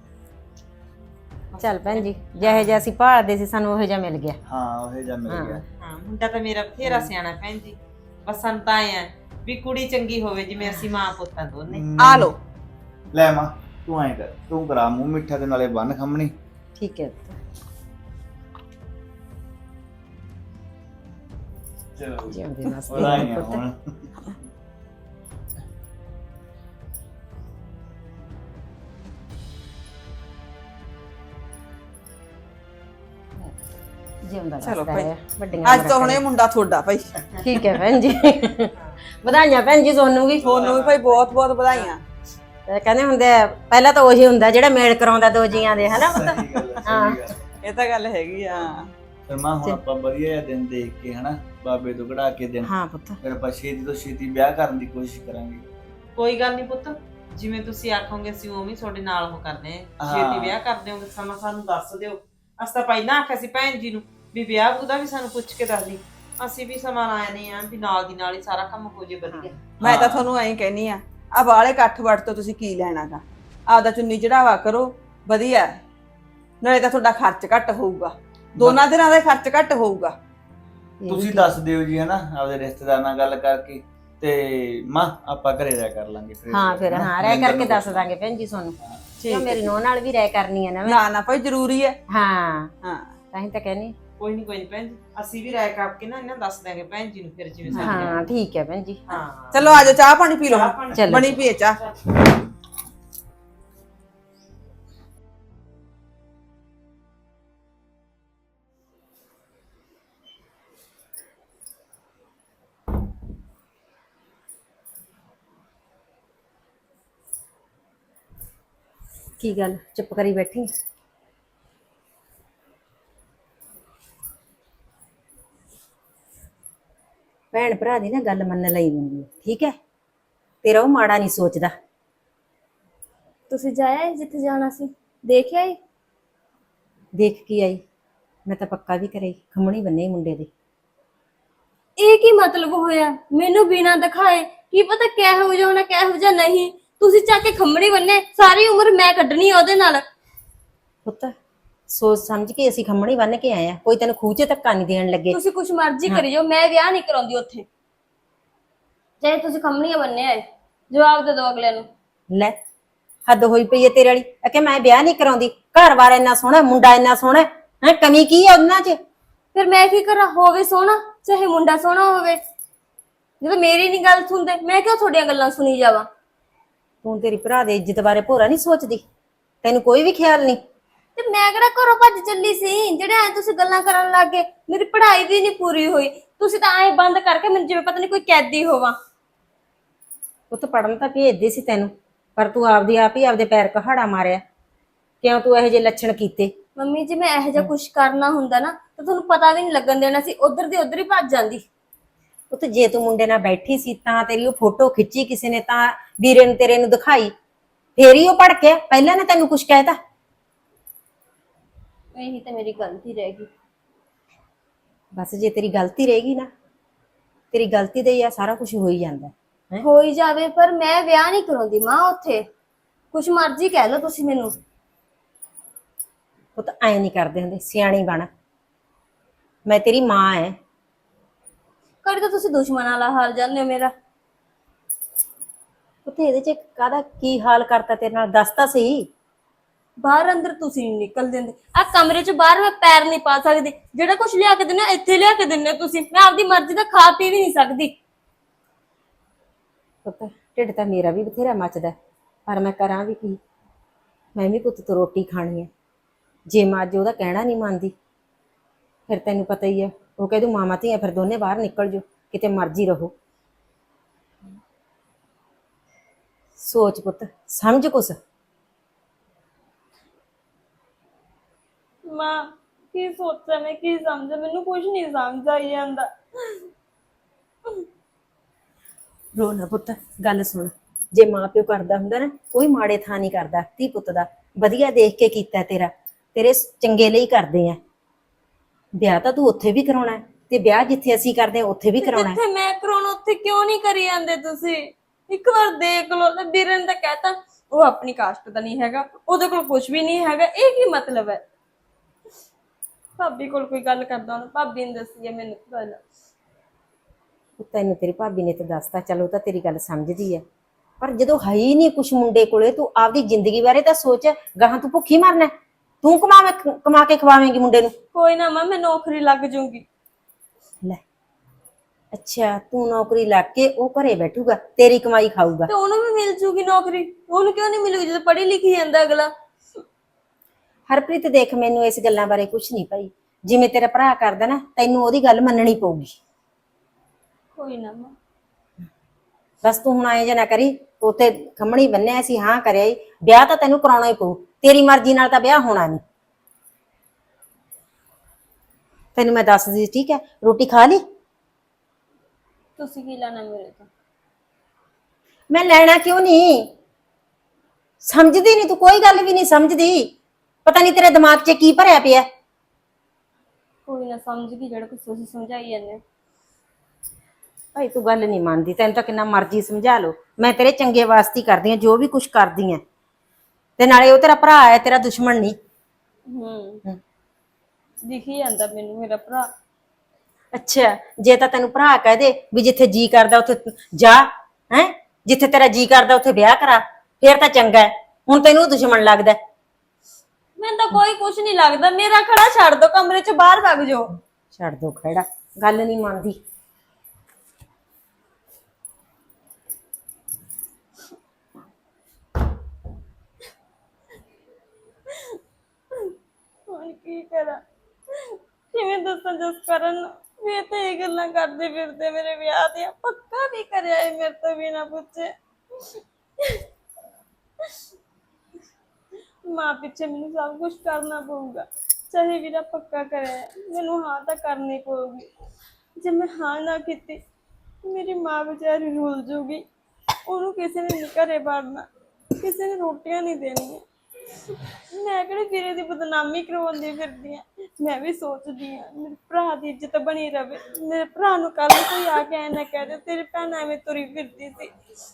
F: ਚੱਲ ਭੈਣ ਜੀ, ਜਿਹੇ ਜਿਹਾ ਅਸੀਂ ਭਾਲਦੇ ਸੀ ਸਾਨੂੰ ਉਹੋ ਜਿਹਾ ਮਿਲ ਗਿਆ।
D: ਹਾਂ ਉਹ ਜਿਹਾ ਮਿਲ ਗਿਆ।
G: ਹਾਂ, ਮੁੰਡਾ ਤਾਂ ਮੇਰਾ ਬਥੇਰਾ ਸਿਆਣਾ ਭੈਣ ਜੀ। ਬਸ ਸਾਨੂੰ ਤਾਂ ਐ ਵੀ ਕੁੜੀ ਚੰਗੀ ਹੋਵੇ, ਜਿਵੇਂ ਅਸੀਂ ਮਾਂ ਪੁੱਤਾਂ ਦੋਨੇ।
C: ਆ ਲੋ
D: ਲੈ ਮਾਂ, ਤੂੰ ਐਂ ਕਰ, ਤੂੰ ਕਰਾ ਮੂੰਹ ਮਿੱਠਾ ਤੇ ਨਾਲੇ ਬੰਨ ਖੰਮਣੀ।
F: ਠੀਕ ਹੈ।
E: ਚਲੋ
F: ਜਿਉਂਦੇ ਵਸਦੇ
D: ਵਧਾਈਆਂ
F: ਪੁੱਤ।
D: ਹੁਣ।
F: ਜਿਉਂਦਾ
C: ਚਲੋ
F: ਵਸਦਾ
C: ਭਾਈ,
F: ਹੈ, ਵੱਡੀਆਂ
C: ਅੱਜ ਤੋਂ ਹੁਣ ਇਹ ਮੁੰਡਾ ਤੁਹਾਡਾ ਭਾਈ।
F: ਠੀਕ ਹੈ ਭੈਣ ਜੀ। ਵਧਾਈਆਂ ਭੈਣ ਜੀ ਤੁਹਾਨੂੰ ਵੀ।
C: ਤੁਹਾਨੂੰ ਵੀ ਭਾਈ ਬਹੁਤ ਬਹੁਤ ਵਧਾਈਆਂ।
F: ਤੇ ਕਹਿੰਦੇ ਹੁੰਦੇ ਆ, ਪਹਿਲਾਂ ਤਾਂ ਉਹੀ ਹੁੰਦਾ ਜਿਹੜਾ ਮੇਲ ਕਰਾਉਂਦਾ ਦੋ ਜੀਆਂ ਦੇ, ਹਨਾ ਪੁੱਤ?
D: ਸਹੀ ਗੱਲ ਹੈ,
F: ਹਾਂ।
D: ਸਹੀ ਗੱਲ।
C: ਇਹ ਤਾਂ ਗੱਲ ਹੈਗੀ ਆ।
D: ਫਿਰ ਮਾਂ ਹੁਣ ਆਪਾਂ ਵਧੀਆ ਜਿਹਾ ਦਿਨ ਦੇਖ ਕੇ ਹਨਾ ਬਾਬੇ ਤੋਂ ਕਢਾ ਕੇ ਦਿਨ
F: ਹਾਂ ਪੁੱਤ
D: ਫਿਰ ਆਪਾਂ ਛੇਤੀ ਤੋਂ ਛੇਤੀ ਵਿਆਹ ਕਰਨ ਦੀ ਕੋਸ਼ਿਸ਼ ਕਰਾਂਗੇ।
G: ਕੋਈ ਗੱਲ ਨਹੀਂ ਪੁੱਤ, ਜਿਵੇਂ ਤੁਸੀਂ ਆਖੋਗੇ ਅਸੀਂ ਉਵੇਂ ਹੀ ਤੁਹਾਡੇ ਨਾਲ ਉਹ ਕਰਦੇ ਆ।
D: ਹਾਂ।
G: ਛੇਤੀ ਵਿਆਹ ਕਰ ਦਿਓਗੇ ਸਮਾਂ ਸਾਨੂੰ ਦੱਸ ਦਿਓ। ਅਸੀਂ ਤਾਂ ਪਹਿਲਾਂ ਆਖਿਆ ਸੀ ਭੈਣ ਜੀ ਨੂੰ ਵੀ ਵਿਆਹ ਉਹਦਾ ਵੀ ਸਾਨੂੰ ਪੁੱਛ ਕੇ ਦੱਸ ਦੀ। ਅਸੀਂ ਵੀ ਸਮਾਂ ਲਾਇਆ ਨਹੀਂ ਆ ਵੀ ਨਾਲ ਦੀ ਨਾਲ ਹੀ ਸਾਰਾ ਕੰਮ ਹੋ ਜੇ ਵਧੀਆ।
C: ਮੈਂ ਤਾਂ ਤੁਹਾਨੂੰ ਐਂ ਕਹਿਨੀ ਆ ਬਾਲੇ ਇਕੱਠ ਵੱਟ ਤੋਂ ਤੁਸੀਂ ਕੀ ਲੈਣਾਗਾ, ਆਪਦਾ ਚੁੰਨੀ ਚੜਾਵਾ ਕਰੋ ਵਧੀਆ ਹੈ। ਨਾਲੇ ਤਾਂ ਤੁਹਾਡਾ ਖਰਚ ਘੱਟ ਹੋਊਗਾ, ਦੋਨਾਂ ਦਿਨਾਂ ਦਾ ਖਰਚ ਘੱਟ ਹੋਊਗਾ।
D: ਤੁਸੀਂ ਦੱਸ ਦਿਓ ਜੀ ਹਨਾ ਆਪਦੇ ਰਿਸ਼ਤੇਦਾਰ ਨਾਲ ਗੱਲ ਕਰਕੇ ਤੇ ਮਾਂ ਆਪਾਂ ਘਰੇ ਰਹਿ ਕਰ ਲਾਂਗੇ ਫਿਰ।
F: ਹਾਂ ਫਿਰ
D: ਹਨਾ,
F: ਹਾਂ ਰਹਿ
D: ਮਹਿੰਦਰ
F: ਕਰਕੇ
D: ਨੂੰ
F: ਦੱਸ
D: ਪੁੱਛ
F: ਦਾਂਗੇ ਭੈਣ ਜੀ ਤੁਹਾਨੂੰ।
C: ਠੀਕ
F: ਕਿਉਂ ਮੇਰੀ ਨੂੰਹ ਨਾਲ ਵੀ ਰਹਿ ਕਰਨੀ ਹੈ ਨਾ ਮੈਂ।
C: ਨਾ ਨਾ ਭਾਈ ਜ਼ਰੂਰੀ ਹੈ।
F: ਹਾਂ
C: ਹਾਂ
F: ਤਾਂ ਹੀ ਤਾਂ ਕਹਿੰਦੀ।
G: ਕੋਈ ਨਹੀਂ ਭੈਣ ਜੀ, ਅਸੀਂ ਵੀ ਰਾਏ ਕਰਕੇ ਨਾ ਇਹਨਾਂ ਦੱਸ ਦਿਆਂਗੇ ਭੈਣ ਜੀ ਨੂੰ ਫਿਰ ਜਿਵੇਂ ਸਾਡੇ
F: ਹਾਂ ਠੀਕ ਹੈ ਭੈਣ ਜੀ।
G: ਹਾਂ
C: ਚਲੋ ਆਜੋ ਚਾਹ ਪਾਣੀ ਪੀ ਲਓ,
G: ਚਾਹ ਪਾਣੀ
F: ਚਲੋ।
C: ਬਣੀ ਪੀਏ ਚਾਹ।
F: ਕੀ ਗੱਲ ਚੁੱਪ ਕਰੀ ਬੈਠੀ? ਭੈਣ ਭਰਾ ਦੀ ਨਾ ਗੱਲ ਮੰਨ ਲਈ ਹੁੰਦੀ ਹੈ, ਠੀਕ ਹੈ? ਤੇਰਾ ਉਹ ਮਾੜਾ ਨਹੀਂ ਸੋਚਦਾ।
B: ਤੁਸੀਂ ਜਾਇਆ ਜਿੱਥੇ ਜਾਣਾ ਸੀ, ਦੇਖ ਆਏ?
F: ਦੇਖ ਕੀ ਆਈ? ਮੈਂ ਤਾਂ ਪੱਕਾ ਵੀ ਕਰੇ ਖੰਮਣੀ ਬੰਨੇ ਮੁੰਡੇ ਦੇ।
B: ਇਹ ਕੀ ਮਤਲਬ ਹੋਇਆ? ਮੈਨੂੰ ਬਿਨਾਂ ਦਿਖਾਏ ਕੀ ਪਤਾ ਕਿਹੋ ਜਿਹਾ ਹੋਣਾ ਕਿਹੋ ਜਿਹਾ ਨਹੀਂ। ਤੁਸੀਂ ਚੱਕ ਕੇ ਖੰਮਣੀ ਬੰਨੇ, ਸਾਰੀ ਉਮਰ ਮੈਂ ਕੱਢਣੀ ਉਹਦੇ ਨਾਲ।
F: ਪੁੱਤ ਸੋਚ ਸਮਝ ਕੇ ਅਸੀਂ ਖੰਮਣੀ ਬੰਨ ਕੇ ਆਏ ਆ, ਕੋਈ ਤੈਨੂੰ ਖੂਹ 'ਚ ਧੱਕਾ ਨਹੀਂ ਦੇਣ ਲੱਗੇ।
B: ਤੁਸੀਂ ਕੁਛ ਮਰਜ਼ੀ ਕਰੀ ਜਾਓ, ਮੈਂ ਵਿਆਹ ਨਹੀਂ ਕਰਾਉਂਦੀ ਉੱਥੇ। ਚਾਹੇ ਤੁਸੀਂ ਖੰਮਣੀਆਂ ਬੰਨੇ ਆਏ, ਜਵਾਬ ਦੇ ਦਿਓ ਅਗਲੇ ਨੂੰ।
F: ਲੈ ਹੱਦ ਹੋਈ ਪਈ ਹੈ ਤੇਰੇ ਵਾਲੀ। ਕਿ ਮੈਂ ਵਿਆਹ ਨਹੀਂ ਕਰਾਉਂਦੀ, ਘਰ-ਬਾਰ ਇੰਨਾ ਸੋਹਣਾ, ਮੁੰਡਾ ਇੰਨਾ ਸੋਹਣਾ ਹੈ, ਕਮੀ ਕੀ ਹੈ ਉਹਨਾਂ 'ਚ?
B: ਫਿਰ ਮੈਂ ਕੀ ਕਰਾਂ? ਹੋਵੇ ਸੋਹਣਾ ਚਾਹੇ ਮੁੰਡਾ ਸੋਹਣਾ ਹੋਵੇ, ਜਦੋਂ ਮੇਰੀ ਨਹੀਂ ਗੱਲ ਸੁਣਦੇ ਮੈਂ ਕਿਉਂ ਤੁਹਾਡੀਆਂ ਗੱਲਾਂ ਸੁਣੀ ਜਾਵਾਂ?
F: ਤੂੰ ਤੇਰੀ ਭਰਾ ਦੀ ਇੱਜ਼ਤ ਬਾਰੇ ਭੋਰਾ ਨਹੀਂ ਸੋਚਦੀ? ਤੈਨੂੰ ਕੋਈ ਵੀ ਖਿਆਲ ਨਹੀਂ?
B: ਤੇ ਮੈਂ ਕਿਹੜਾ ਘਰੋਂ ਭੱਜ ਚੱਲੀ ਸੀ ਜਿਹੜੇ ਐ ਤੁਸੀਂ ਗੱਲਾਂ ਕਰਨ ਲੱਗ ਗਏ? ਮੇਰੀ ਪੜ੍ਹਾਈ ਵੀ ਨਹੀਂ ਪੂਰੀ ਹੋਈ, ਤੁਸੀਂ ਤਾਂ ਐ ਬੰਦ ਕਰਕੇ ਮੈਨੂੰ ਜਿਵੇਂ ਪਤਾ ਨਹੀਂ ਕੋਈ ਕੈਦੀ ਹੋਵਾਂ।
F: ਪੁੱਤ ਪੜਨ ਤਾਂ ਭੇਜਦੇ ਸੀ ਤੈਨੂੰ, ਪਰ ਤੂੰ ਆਪਦੀ ਆਪ ਹੀ ਆਪਦੇ ਪੈਰ ਕਹਾੜਾ ਮਾਰਿਆ। ਕਿਉਂ ਤੂੰ ਇਹੋ ਜਿਹੇ ਲੱਛਣ ਕੀਤੇ?
B: ਮੰਮੀ ਜੀ ਮੈਂ ਇਹੋ ਜਿਹਾ ਕੁਝ ਕਰਨਾ ਹੁੰਦਾ ਨਾ ਤਾਂ ਤੁਹਾਨੂੰ ਪਤਾ ਵੀ ਨਹੀਂ ਲੱਗਣ ਦੇਣਾ ਸੀ, ਉਧਰ ਦੀ ਉਧਰ ਹੀ ਭੱਜ ਜਾਂਦੀ।
F: ਪੁੱਤ ਜੇ ਤੂੰ ਮੁੰਡੇ ਨਾਲ ਬੈਠੀ ਸੀ ਤਾਂ ਤੇਰੀ ਉਹ ਫੋਟੋ ਖਿੱਚੀ ਕਿਸੇ ਨੇ, ਤਾਂ ਵੀਰੇ ਨੂੰ ਤੇਰੇ ਨੂੰ ਦਿਖਾਈ, ਫੇਰ ਹੀ ਉਹ ਭੜਕਿਆ। ਪਹਿਲਾਂ ਨੇ ਤੈਨੂੰ ਕੁਝ ਕਹਿਤਾ?
B: ਇਹੀ ਤਾਂ ਮੇਰੀ ਗਲਤੀ ਰਹਿ ਗਈ।
F: ਬਸ ਜੇ ਤੇਰੀ ਗਲਤੀ ਰਹੇਗੀ ਨਾ, ਤੇਰੀ ਗਲਤੀ ਦੇ ਹੀ ਆ ਸਾਰਾ ਕੁਝ ਹੋ ਹੀ ਜਾਂਦਾ ਹੈ।
B: ਹੋਈ ਜਾਵੇ ਪਰ ਮੈਂ ਵਿਆਹ ਨਹੀਂ ਕਰਾਉਂਦੀ ਮਾਂ ਉੱਥੇ। ਕੁਛ ਮਰਜ਼ੀ ਕਹਿ ਲਓ ਤੁਸੀਂ ਮੈਨੂੰ।
F: ਪੁੱਤ ਐਂ ਨਹੀਂ ਕਰਦੇ ਹੁੰਦੇ, ਸਿਆਣੀ ਬਣ। ਮੈਂ ਤੇਰੀ ਮਾਂ ਐ।
B: ਕਦੇ ਤਾਂ ਤੁਸੀਂ ਦੁਸ਼ਮਣਾਂ ਵਾਲਾ ਹਾਲ ਜਾਂਦੇ ਹੋ ਮੇਰਾ।
F: ਪੁੱਤ ਇਹਦੇ 'ਚ ਕਾਹਦਾ ਕੀ ਹਾਲ ਕਰਤਾ ਤੇਰੇ ਨਾਲ, ਦੱਸ ਤਾਂ ਸਹੀ।
B: ਬਾਹਰ ਅੰਦਰ ਤੁਸੀਂ ਨਹੀਂ ਨਿਕਲ ਦਿੰਦੇ, ਆ ਕਮਰੇ 'ਚ ਬਾਹਰ ਮੈਂ ਪੈਰ ਨਹੀਂ ਪਾ ਸਕਦੀ। ਜਿਹੜਾ ਕੁਝ ਲਿਆ ਕੇ ਦਿੰਦੇ ਇੱਥੇ ਲਿਆ ਕੇ ਦਿੰਦੇ ਤੁਸੀਂ, ਮੈਂ ਆਪਦੀ ਮਰਜ਼ੀ ਦਾ ਖਾ ਪੀ ਵੀ ਨਹੀਂ ਸਕਦੀ।
F: ਪੁੱਤ ਢਿੱਡ ਤਾਂ ਮੇਰਾ ਵੀ ਬਥੇਰਾ ਮੱਚਦਾ, ਪਰ ਮੈਂ ਕਰਾਂ ਵੀ ਕੀ? ਮੈਂ ਵੀ ਪੁੱਤ ਤੋਂ ਰੋਟੀ ਖਾਣੀ ਹੈ। ਜੇ ਮੈਂ ਅੱਜ ਉਹਦਾ ਕਹਿਣਾ ਨਹੀਂ ਮੰਨਦੀ ਫਿਰ ਤੈਨੂੰ ਪਤਾ ਹੀ ਹੈ, ਉਹ ਕਹਿ ਦੂ ਮਾਮਾ ਧੀਆਂ ਫਿਰ ਦੋਨੇ ਬਾਹਰ ਨਿਕਲ ਜਾਓ, ਕਿਤੇ ਮਰਜ਼ੀ ਰਹੋ। ਸੋਚ ਪੁੱਤ, ਸਮਝ ਕੁਛ।
B: ਮਾਂ ਕੀ ਸੋਚਾਂ ਮੈਂ, ਕੀ ਸਮਝਾਂ? ਮੈਨੂੰ ਕੁਝ ਨਹੀਂ ਸਮਝ ਆਈ ਜਾਂਦਾ।
F: ਰੋ ਨਾ ਪੁੱਤ, ਗੱਲ ਸੁਣ। ਜੇ ਮਾਂ ਪਿਓ ਕਰਦਾ ਹੁੰਦਾ ਨਾ, ਕੋਈ ਮਾੜੇ ਥਾਂ ਨਹੀਂ ਕਰਦਾ ਧੀ ਪੁੱਤ ਦਾ। ਵਧੀਆ ਦੇਖ ਕੇ ਕੀਤਾ ਤੇਰਾ, ਤੇਰੇ ਚੰਗੇ ਲਈ ਕਰਦੇ ਆ। ਵਿਆਹ ਤਾਂ ਤੂੰ ਉੱਥੇ ਵੀ ਕਰਾਉਣਾ ਹੈ, ਤੇ ਵਿਆਹ ਜਿੱਥੇ ਅਸੀਂ ਕਰਦੇ ਆ ਉੱਥੇ ਵੀ ਕਰਾਉਣਾ ਹੈ।
B: ਜਿੱਥੇ ਮੈਂ ਕਰਾਉਣਾ ਉੱਥੇ ਕਿਉਂ ਨਹੀਂ ਕਰੀ ਜਾਂਦੇ ਤੁਸੀਂ? ਇੱਕ ਵਾਰ ਦੇਖ ਲਓ ਨਾ, ਵੀਰੇ ਨੇ ਤਾਂ ਕਹਿਤਾ ਉਹ ਆਪਣੀ ਕਾਸਟ ਦਾ ਨਹੀਂ ਹੈਗਾ, ਉਹਦੇ ਕੋਲ ਕੁਝ ਵੀ ਨਹੀਂ ਹੈਗਾ। ਇਹ ਕੀ ਮਤਲਬ ਹੈ? ਭਾਬੀ ਕੋਲ ਕੋਈ ਗੱਲ ਕਰਦਾ ਹੁਣ, ਭਾਬੀ ਨੇ ਦੱਸੀ ਹੈ ਮੈਨੂੰ ਗੱਲ।
F: ਤੈਨੂੰ ਤੇਰੀ ਭਾਬੀ ਨੇ ਤਾਂ ਦੱਸਤਾ, ਚਲੋ ਤਾਂ ਤੇਰੀ ਗੱਲ ਸਮਝਦੀ ਹੈ, ਪਰ ਜਦੋਂ ਹੈ ਹੀ ਨਹੀਂ ਕੁਛ ਮੁੰਡੇ ਕੋਲੇ, ਤੂੰ ਆਪਦੀ ਜ਼ਿੰਦਗੀ ਬਾਰੇ ਤਾਂ ਸੋਚ। ਗਾਹਾਂ ਤੂੰ ਭੁੱਖੀ ਮਰਨਾ, ਤੂੰ ਕਮਾ ਕੇ ਖਵਾਵੇਂਗੀ ਮੁੰਡੇ ਨੂੰ।
B: ਕੋਈ ਨਾ ਮਾਂ, ਮੈਂ ਨੌਕਰੀ ਲੱਗ ਜੂੰਗੀ।
F: ਲੈ ਅੱਛਾ, ਤੂੰ ਨੌਕਰੀ ਲੱਗ ਕੇ ਉਹ ਘਰੇ ਬੈਠੂਗਾ, ਤੇਰੀ ਕਮਾਈ ਖਾਊਗਾ।
B: ਤੇ ਉਹਨੂੰ ਵੀ ਮਿਲ ਜੂਗੀ ਨੌਕਰੀ, ਉਹਨੂੰ ਕਿਉਂ ਨਹੀਂ ਮਿਲੂਗੀ ਜਦੋਂ ਪੜ੍ਹੀ ਲਿਖੀ ਜਾਂਦਾ ਅਗਲਾ?
F: ਹਰਪ੍ਰੀਤ ਦੇਖ, ਮੈਨੂੰ ਇਸ ਗੱਲਾਂ ਬਾਰੇ ਕੁਛ ਨਹੀਂ ਭਾਈ। ਜਿਵੇਂ ਤੇਰਾ ਭਰਾ ਕਰਦਾ ਨਾ, ਤੈਨੂੰ ਉਹਦੀ ਗੱਲ ਮੰਨਣੀ ਪਊਗੀ।
B: ਕੋਈ ਨਾ ਮਾਂ।
F: ਬਸ ਤੂੰ ਹੁਣ ਆਏ ਜਾਂ ਨਾ ਕਰੀ, ਉੱਥੇ ਖੰਮਣੀ ਬੰਨਿਆ ਸੀ, ਹਾਂ ਕਰਿਆ ਈ, ਵਿਆਹ ਤਾਂ ਤੈਨੂੰ ਕਰਾਉਣਾ ਹੀ ਪਊ। ਤੇਰੀ ਮਰਜ਼ੀ ਨਾਲ ਤਾਂ ਵਿਆਹ ਹੋਣਾ ਨਹੀਂ। ਤੈਨੂੰ ਮੈਂ ਦੱਸਦੀ ਠੀਕ ਹੈ। ਰੋਟੀ ਖਾ ਲਈ?
B: ਤੁਸੀਂ ਕੀ ਲੈਣਾ ਮੇਰੇ ਤੋਂ?
F: ਮੈਂ ਲੈਣਾ ਕਿਉਂ ਨਹੀਂ? ਸਮਝਦੀ ਨਹੀਂ ਤੂੰ, ਕੋਈ ਗੱਲ ਵੀ ਨਹੀਂ ਸਮਝਦੀ। ਪਤਾ ਨਹੀਂ ਤੇਰੇ ਦਿਮਾਗ 'ਚ ਕੀ ਭਰਿਆ ਪਿਆ।
B: ਕੋਈ ਨਾ ਸਮਝ ਗਈ ਜਿਹੜਾ ਕੁਝ ਤੁਸੀਂ ਸਮਝਾਈ ਜਾਂਦੇ ਹੋ।
F: ਭਾਈ ਤੂੰ ਗੱਲ ਨਹੀਂ ਮੰਨਦੀ, ਤੈਨੂੰ ਤਾਂ ਕਿੰਨਾ ਮਰਜ਼ੀ ਸਮਝਾ ਲਓ। ਮੈਂ ਤੇਰੇ ਚੰਗੇ ਵਾਸਤੇ ਹੀ ਕਰਦੀ ਆ ਜੋ ਵੀ ਕੁਝ ਕਰਦੀ ਆ। ਤੇ ਨਾਲੇ ਉਹ ਤੇਰਾ ਭਰਾ ਹੈ, ਤੇਰਾ ਦੁਸ਼ਮਣ ਨਹੀਂ।
B: ਦਿਖੀ ਜਾਂਦਾ ਮੈਨੂੰ ਮੇਰਾ ਭਰਾ।
F: ਅੱਛਾ, ਜੇ ਤਾਂ ਤੈਨੂੰ ਭਰਾ ਕਹਿ ਦੇ ਵੀ ਜਿੱਥੇ ਜੀ ਕਰਦਾ ਉੱਥੇ ਜਾ, ਹੈ ਜਿੱਥੇ ਤੇਰਾ ਜੀ ਕਰਦਾ ਉੱਥੇ ਵਿਆਹ ਕਰਾ, ਫੇਰ ਤਾਂ ਚੰਗਾ ਹੈ। ਹੁਣ ਤੈਨੂੰ ਉਹ ਦੁਸ਼ਮਣ ਲੱਗਦਾ।
B: ਮੈਨੂੰ ਤਾਂ ਕੋਈ ਕੁਝ ਨਹੀਂ ਲੱਗਦਾ। ਮੇਰਾ ਖੜਾ ਛੱਡ ਦੋ, ਕਮਰੇ 'ਚ ਬਾਹਰ ਵਗ ਜਾਓ।
F: ਛੱਡ ਦੋ ਖੜਾ, ਗੱਲ ਨਹੀਂ ਮੰਨਦੀ।
B: ਹੁਣ ਕੀ ਕਰਾਂ? ਕਿਵੇਂ ਦੱਸਾਂ ਜਸਕਰਨ ਨੂੰ ਵੀ ਇਹ ਤਾਂ ਇਹ ਗੱਲਾਂ ਕਰਦੇ ਫਿਰਦੇ ਮੇਰੇ ਵਿਆਹ ਦੀਆਂ। ਪੱਕਾ ਵੀ ਕਰਿਆ ਇਹ ਮੇਰੇ ਤੋਂ ਬਿਨਾਂ ਪੁੱਛੇ। ਮਾਂ ਪਿੱਛੇ ਮੈਨੂੰ ਸਭ ਕੁਝ ਕਰਨਾ ਪਊਗਾ। ਚਾਹੇ ਵੀਰਾ ਪੱਕਾ ਕਰਿਆ, ਮੈਨੂੰ ਹਾਂ ਤਾਂ ਕਰਨੀ ਪਊਗੀ। ਜੇ ਮੈਂ ਹਾਂ ਨਾ ਕੀਤੀ ਮੇਰੀ ਮਾਂ ਵਿਚਾਰੀ ਰੁੱਲ ਜੂਗੀ। ਉਹਨੂੰ ਕਿਸੇ ਨੇ ਨਹੀਂ ਘਰੇ ਵੜਨਾ, ਕਿਸੇ ਨੇ ਰੋਟੀਆਂ ਨਹੀਂ ਦੇਣੀਆਂ। ਮੈਂ ਕਿਹੜੇ ਵੀਰੇ ਦੀ ਬਦਨਾਮੀ ਕਰਵਾਉਂਦੀ ਫਿਰਦੀ ਆ। ਮੈਂ ਵੀ ਸੋਚਦੀ ਆ ਮੇਰੇ ਭਰਾ ਦੀ ਇੱਜ਼ਤ ਬਣੀ ਰਵੇ। ਮੇਰੇ ਭਰਾ ਨੂੰ ਕੱਲ ਕੋਈ ਆ ਕੇ ਐ ਨਾ ਕਹਿ ਦੇ ਤੇਰੀ ਭੈਣ ਐਵੇਂ ਤੁਰੀ ਫਿਰਦੀ ਸੀ।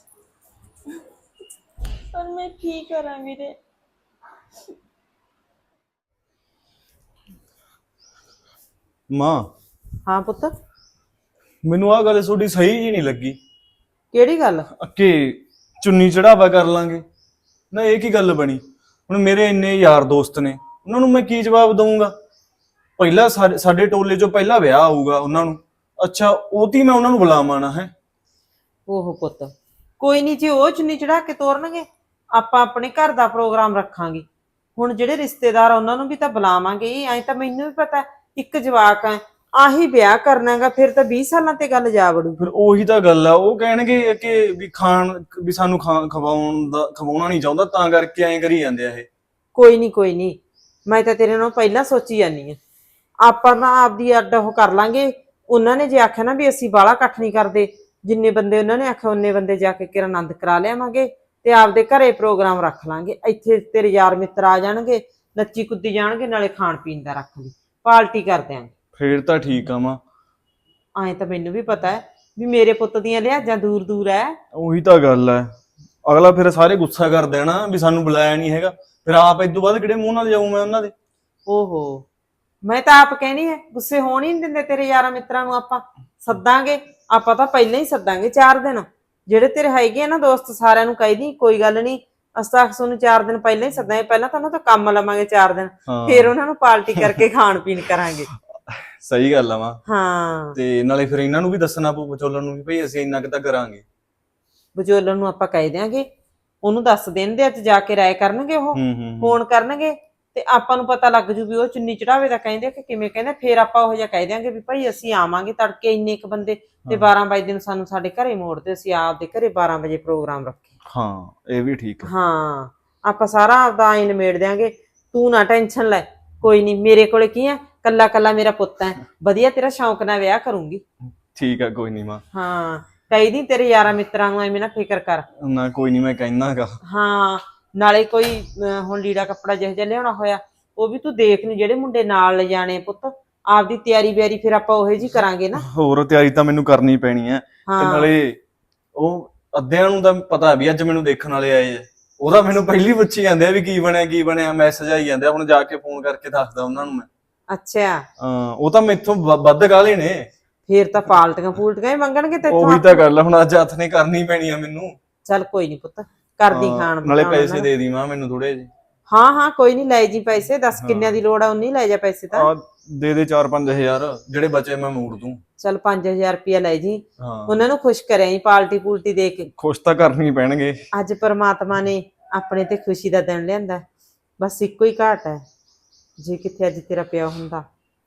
B: ਪਰ ਮੈਂ ਕੀ ਕਰਾਂ ਵੀਰੇ?
E: ਮਾਂ,
C: ਹਾਂ ਪੁੱਤ,
E: ਮੈਨੂੰ ਆਹ ਗੱਲ ਤੁਹਾਡੀ ਸਹੀ ਜੀ ਨਹੀਂ ਲੱਗੀ
C: ਕਿਹੜੀ ਗੱਲ?
E: ਕਿ ਚੁੰਨੀ ਚੜਾਵਾ ਕਰ ਲਾਂਗੇ ਨਾ। ਇਹ ਕੀ ਗੱਲ ਬਣੀ? ਹੁਣ ਮੇਰੇ ਇੰਨੇ ਯਾਰ ਦੋਸਤ ਨੇ, ਉਹਨਾਂ ਨੂੰ ਮੈਂ ਕੀ ਜਵਾਬ ਦਊਂਗਾ? ਪਹਿਲਾਂ ਸਾਡੇ ਟੋਲੇ 'ਚੋਂ ਪਹਿਲਾ ਵਿਆਹ ਆਊਗਾ ਉਹਨਾਂ ਨੂੰ। ਅੱਛਾ, ਉਹਦੀ ਮੈਂ ਉਹਨਾਂ ਨੂੰ ਬੁਲਾਵਾਂ ਨਾ ਹੈ?
G: ਉਹ ਪੁੱਤ ਕੋਈ ਨਹੀਂ, ਜੀ ਉਹ ਚੁੰਨੀ ਚੜਾ ਕੇ ਤੋਰਨਗੇ, ਆਪਾਂ ਆਪਣੇ ਘਰ ਦਾ ਪ੍ਰੋਗਰਾਮ ਰੱਖਾਂਗੇ। ਹੁਣ ਜਿਹੜੇ ਰਿਸ਼ਤੇਦਾਰ ਆ ਉਹਨਾਂ ਨੂੰ ਵੀ ਤਾਂ ਬੁਲਾਵਾਂਗੇ ਹੀ। ਐਂ ਤਾਂ ਮੈਨੂੰ ਵੀ ਪਤਾ ਇੱਕ ਜਵਾਕ ਆ, ਆਹੀ ਵਿਆਹ ਕਰਨਾਗਾ, ਫਿਰ ਤਾਂ 20 ਸਾਲਾਂ ਤੇ ਗੱਲ ਜਾ ਵੜੂ।
E: ਫਿਰ ਉਹੀ ਤਾਂ ਗੱਲ ਆ। ਉਹ ਕਹਿਣਗੇ ਕਿ ਵੀ ਸਾਨੂੰ ਖਵਾਉਣਾ ਨਹੀਂ ਚਾਹੁੰਦਾ, ਤਾਂ ਕਰਕੇ ਐਂ ਕਰੀ ਜਾਂਦੇ ਆ ਇਹ।
G: ਕੋਈ ਨਹੀਂ, ਮੈਂ ਤਾਂ ਤੇਰੇ ਨਾਲ ਪਹਿਲਾਂ ਸੋਚੀ ਜਾਂਦੀ ਆ। ਆਪਾਂ ਤਾਂ ਆਪਦੀ ਅੱਡ ਉਹ ਕਰ ਲਾਂਗੇ। ਉਹਨਾਂ ਨੇ ਜੇ ਆਖਿਆ ਨਾ ਵੀ ਅਸੀਂ ਬਾਹਲਾ ਇਕੱਠ ਨਹੀਂ ਕਰਦੇ, ਜਿੰਨੇ ਬੰਦੇ ਉਹਨਾਂ ਨੇ ਆਖਿਆ ਉਹਨੇ ਬੰਦੇ ਜਾ ਕੇ ਕਿਰਨ ਆਨੰਦ ਕਰਾ ਲਿਆਵਾਂਗੇ ਤੇ ਆਪਦੇ ਘਰੇ ਪ੍ਰੋਗਰਾਮ ਰੱਖ ਲਾਂਗੇ। ਇੱਥੇ ਤੇਰੇ ਯਾਰ ਮਿੱਤਰ ਆ ਜਾਣਗੇ, ਨੱਚੀ ਕੁੱਦੀ ਜਾਣਗੇ, ਨਾਲੇ ਖਾਣ ਪੀਣ ਦਾ ਰੱਖ ਲਈ, ਪਾਰਟੀ ਕਰ ਦਿਆਂਗੇ।
E: ਫੇਰ ਤਾਂ ਠੀਕ ਆ ਮਾਂ।
G: ਐਂ ਤਾਂ ਮੈਨੂੰ ਵੀ ਪਤਾ ਹੈ ਵੀ ਮੇਰੇ ਪੁੱਤ ਦੀਆਂ ਲਿਹਾਜ਼ਾਂ ਦੂਰ ਦੂਰ ਐ।
E: ਉਹੀ ਤਾਂ ਗੱਲ ਹੈ। ਅਗਲਾ ਫਿਰ ਸਾਰੇ ਗੁੱਸਾ ਕਰ ਦੇਣਾ ਵੀ ਸਾਨੂੰ ਬੁਲਾਇਆ ਨਹੀਂ ਹੈਗਾ। ਫਿਰ ਆਪ ਇਦੋਂ ਬਾਅਦ ਕਿਹੜੇ ਮੂੰਹ ਨਾਲ ਜਾਊਂ ਮੈਂ ਉਹਨਾਂ ਦੇ?
G: ਓਹੋ, ਮੈਂ ਤਾਂ ਆਪ ਕਹਿਣੀ ਹੈ ਗੁੱਸੇ ਹੋਣ ਹੀ ਨਹੀਂ ਦਿੰਦੇ ਤੇਰੇ ਯਾਰਾਂ ਮਿੱਤਰਾਂ ਨੂੰ। ਆਪਾਂ ਸੱਦਾਂਗੇ, ਆਪਾਂ ਤਾਂ ਪਹਿਲਾਂ ਹੀ ਸੱਦਾਂਗੇ 4 ਦਿਨ। ਜਿਹੜੇ ਤੇਰੇ ਹੈਗੇ ਆ ਨਾ ਦੋਸਤ, ਸਾਰਿਆਂ ਨੂੰ ਕਹਿ ਦੀ ਕੋਈ ਗੱਲ ਨਹੀਂ, ਅਸਾਂ ਤੁਹਾਨੂੰ 4 ਦਿਨ ਪਹਿਲਾਂ ਹੀ ਸੱਦਾਂਗੇ। ਪਹਿਲਾਂ ਤਾਂ ਉਹਨਾਂ ਤੋਂ ਕੰਮ ਲਵਾਂਗੇ 4 ਦਿਨ, ਫਿਰ ਉਹਨਾਂ ਨੂੰ ਪਾਰਟੀ ਕਰਕੇ ਖਾਣ ਪੀਣ ਕਰਾਂਗੇ।
E: ਸਹੀ ਗੱਲ ਆ ਮਾਂ।
G: ਹਾਂ,
E: ਤੇ ਨਾਲੇ ਫਿਰ ਇਹਨਾਂ ਨੂੰ ਵੀ ਦੱਸਣਾ ਪਊ ਵਿਚੋਲਣ ਨੂੰ ਵੀ ਭਈ ਅਸੀਂ ਇੰਨਾ ਕੁ ਤਾਂ ਕਰਾਂਗੇ।
G: ਵਿਚੋਲਣ ਨੂੰ ਆਪਾਂ ਕਹਿ ਦਿਆਂਗੇ, ਉਹਨੂੰ ਦੱਸ ਦੇਣ ਦੇ, ਅੱਜ ਜਾ ਕੇ ਰਾਏ ਕਰਨਗੇ, ਉਹ ਫੋਨ ਕਰਨਗੇ ਤੇ ਆਪਾਂ ਨੂੰ ਪਤਾ ਲੱਗ ਜੂ ਵੀ ਉਹ ਚੁੰਨੀ ਚੜਾਵੇ ਦਾ ਕਹਿੰਦੇ ਕਿ ਕਿਵੇਂ ਕਹਿੰਦੇ। ਫਿਰ ਆਪਾਂ ਉਹ ਜਿਹਾ ਕਹਿ ਦਿਆਂਗੇ ਵੀ ਭਾਈ ਅਸੀਂ ਆਵਾਂਗੇ ਤੜਕੇ ਇੰਨੇ ਕੁ ਬੰਦੇ ਤੇ 12 ਵਜੇ ਨੂੰ ਸਾਨੂੰ ਸਾਡੇ ਘਰੇ ਮੋੜ ਦਿਓ, ਅਸੀਂ ਆਪਦੇ ਘਰੇ 12 ਵਜੇ ਪ੍ਰੋਗਰਾਮ ਰੱਖੇ।
E: ਹਾਂ, ਇਹ ਵੀ ਠੀਕ ਹੈ।
G: ਹਾਂ, ਆਪਾਂ ਸਾਰਾ ਆਪਦਾ ਆਈ ਨਿਮੇੜ ਦਿਆਂਗੇ, ਤੂੰ ਨਾ ਟੈਨਸ਼ਨ ਲੈ। ਕੋਈ ਨਹੀਂ, ਮੇਰੇ ਕੋਲੇ ਕੀ ਆ, ਕੱਲਾ ਕੱਲਾ ਮੇਰਾ ਪੁੱਤ ਹੈ, ਵਧੀਆ ਤੇਰਾ ਸ਼ੌਂਕ ਨਾਲ ਵਿਆਹ ਕਰੂੰਗੀ।
E: ਠੀਕ ਆ, ਕੋਈ ਨਹੀਂ ਮਾਂ।
G: ਹਾਂ, ਕਹੀ ਦੀ ਤੇਰੇ ਯਾਰਾਂ ਮਿੱਤਰਾਂ ਨੂੰ ਐਵੇਂ ਨਾ ਫਿਕਰ ਕਰ।
E: ਨਾ ਕੋਈ ਨਹੀਂ, ਮੈਂ ਕਹਿਣਾਗਾ।
G: ਹਾਂ, ਨਾਲੇ ਕੋਈ ਹੁਣ ਲੀੜਾ ਕੱਪੜਾ ਜਿਹੋ ਜਿਹਾ ਲਿਆਉਣਾ ਹੋਇਆ ਉਹ ਵੀ ਤੂੰ ਦੇਖ ਲਈ, ਜਿਹੜੇ ਮੁੰਡੇ ਨਾਲ ਲਿਜਾਣੇ ਪੁੱਤ, ਆਪਦੀ ਤਿਆਰੀ ਬਿਆਰੀ ਫਿਰ ਆਪਾਂ ਉਹੇ ਜੀ ਕਰਾਂਗੇ ਨਾ।
E: ਹੋਰ ਤਿਆਰੀ ਤਾਂ ਮੈਨੂੰ ਕਰਨੀ ਪੈਣੀ ਹੈ। ਤੇ ਨਾਲੇ ਉਹ ਅੱਧਿਆਂ ਨੂੰ ਤਾਂ ਪਤਾ ਵੀ ਅੱਜ ਮੈਨੂੰ ਦੇਖਣ ਵਾਲੇ ਆਏ ਆ। ਉਹਦਾ ਮੈਨੂੰ ਪਹਿਲੀ ਪੁੱਛੀ ਜਾਂਦੇ ਆ ਵੀ ਕੀ ਬਣਿਆ, ਮੈਸੇਜ ਆਈ ਜਾਂਦੇ ਆ। ਹੁਣ ਜਾ ਕੇ ਫੋਨ ਕਰਕੇ ਦੱਸਦਾ ਉਹਨਾਂ ਨੂੰ ਮੈਂ।
G: ਅੱਛਾ,
E: ਹਾਂ, ਉਹ ਤਾਂ ਮੈਥੋਂ ਵੱਧ ਗਾਲੇ ਨੇ।
G: ਫੇਰ ਤਾਂ ਪਾਲਟੀਆਂ ਹੀ ਮੰਗਣਗੇ ਤੇ
E: ਉਹੀ ਤਾਂ ਗੱਲ ਆ, ਹੁਣ ਅੱਜ ਹੱਥ ਨੇ ਕਰਨੀ ਪੈਣੀ ਆ ਮੈਨੂੰ।
G: ਚੱਲ ਕੋਈ ਨਹੀਂ ਪੁੱਤ, ਕਰਦੀ ਖਾਣ
E: ਨਾਲੇ ਪੈਸੇ ਦੇ ਦੀ ਮਾਂ ਮੈਨੂੰ ਥੋੜੇ ਜਿਹੇ।
G: ਹਾਂ, ਕੋਈ ਨਹੀਂ, ਲੈ ਜੀ ਪੈਸੇ। ਦੱਸ ਕਿੰਨਿਆਂ ਦੀ ਲੋੜ ਆ, ਉਨੀ ਲੈ ਜਾ ਪੈਸੇ ਤਾਂ।
E: ਦੇ 4-5 ਹਜ਼ਾਰ, ਜਿਹੜੇ ਬਚੇ ਮੈਂ ਮੋੜ ਦੂੰ।
G: ਚੱਲ 5000 ਰੁਪਇਆ ਲੈ ਜੀ।
E: ਹਾਂ,
G: ਉਹਨਾਂ ਨੂੰ ਖੁਸ਼ ਕਰਿਆ ਪਾਲਟੀ ਦੇ ਕੇ।
E: ਖੁਸ਼ ਤਾਂ ਕਰਨੀ ਪੈਣਗੇ।
G: ਅੱਜ ਪਰਮਾਤਮਾ ਨੇ ਆਪਣੇ ਤੇ ਖੁਸ਼ੀ ਦਾ ਦਿਨ ਲਿਆਂਦਾ, ਬਸ ਇੱਕੋ ਹੀ ਘਾਟ ਹੈ, ਜੇ ਕਿੱਥੇ ਅੱਜ ਤੇਰਾ ਪਿਆ ਹੁੰਦਾ।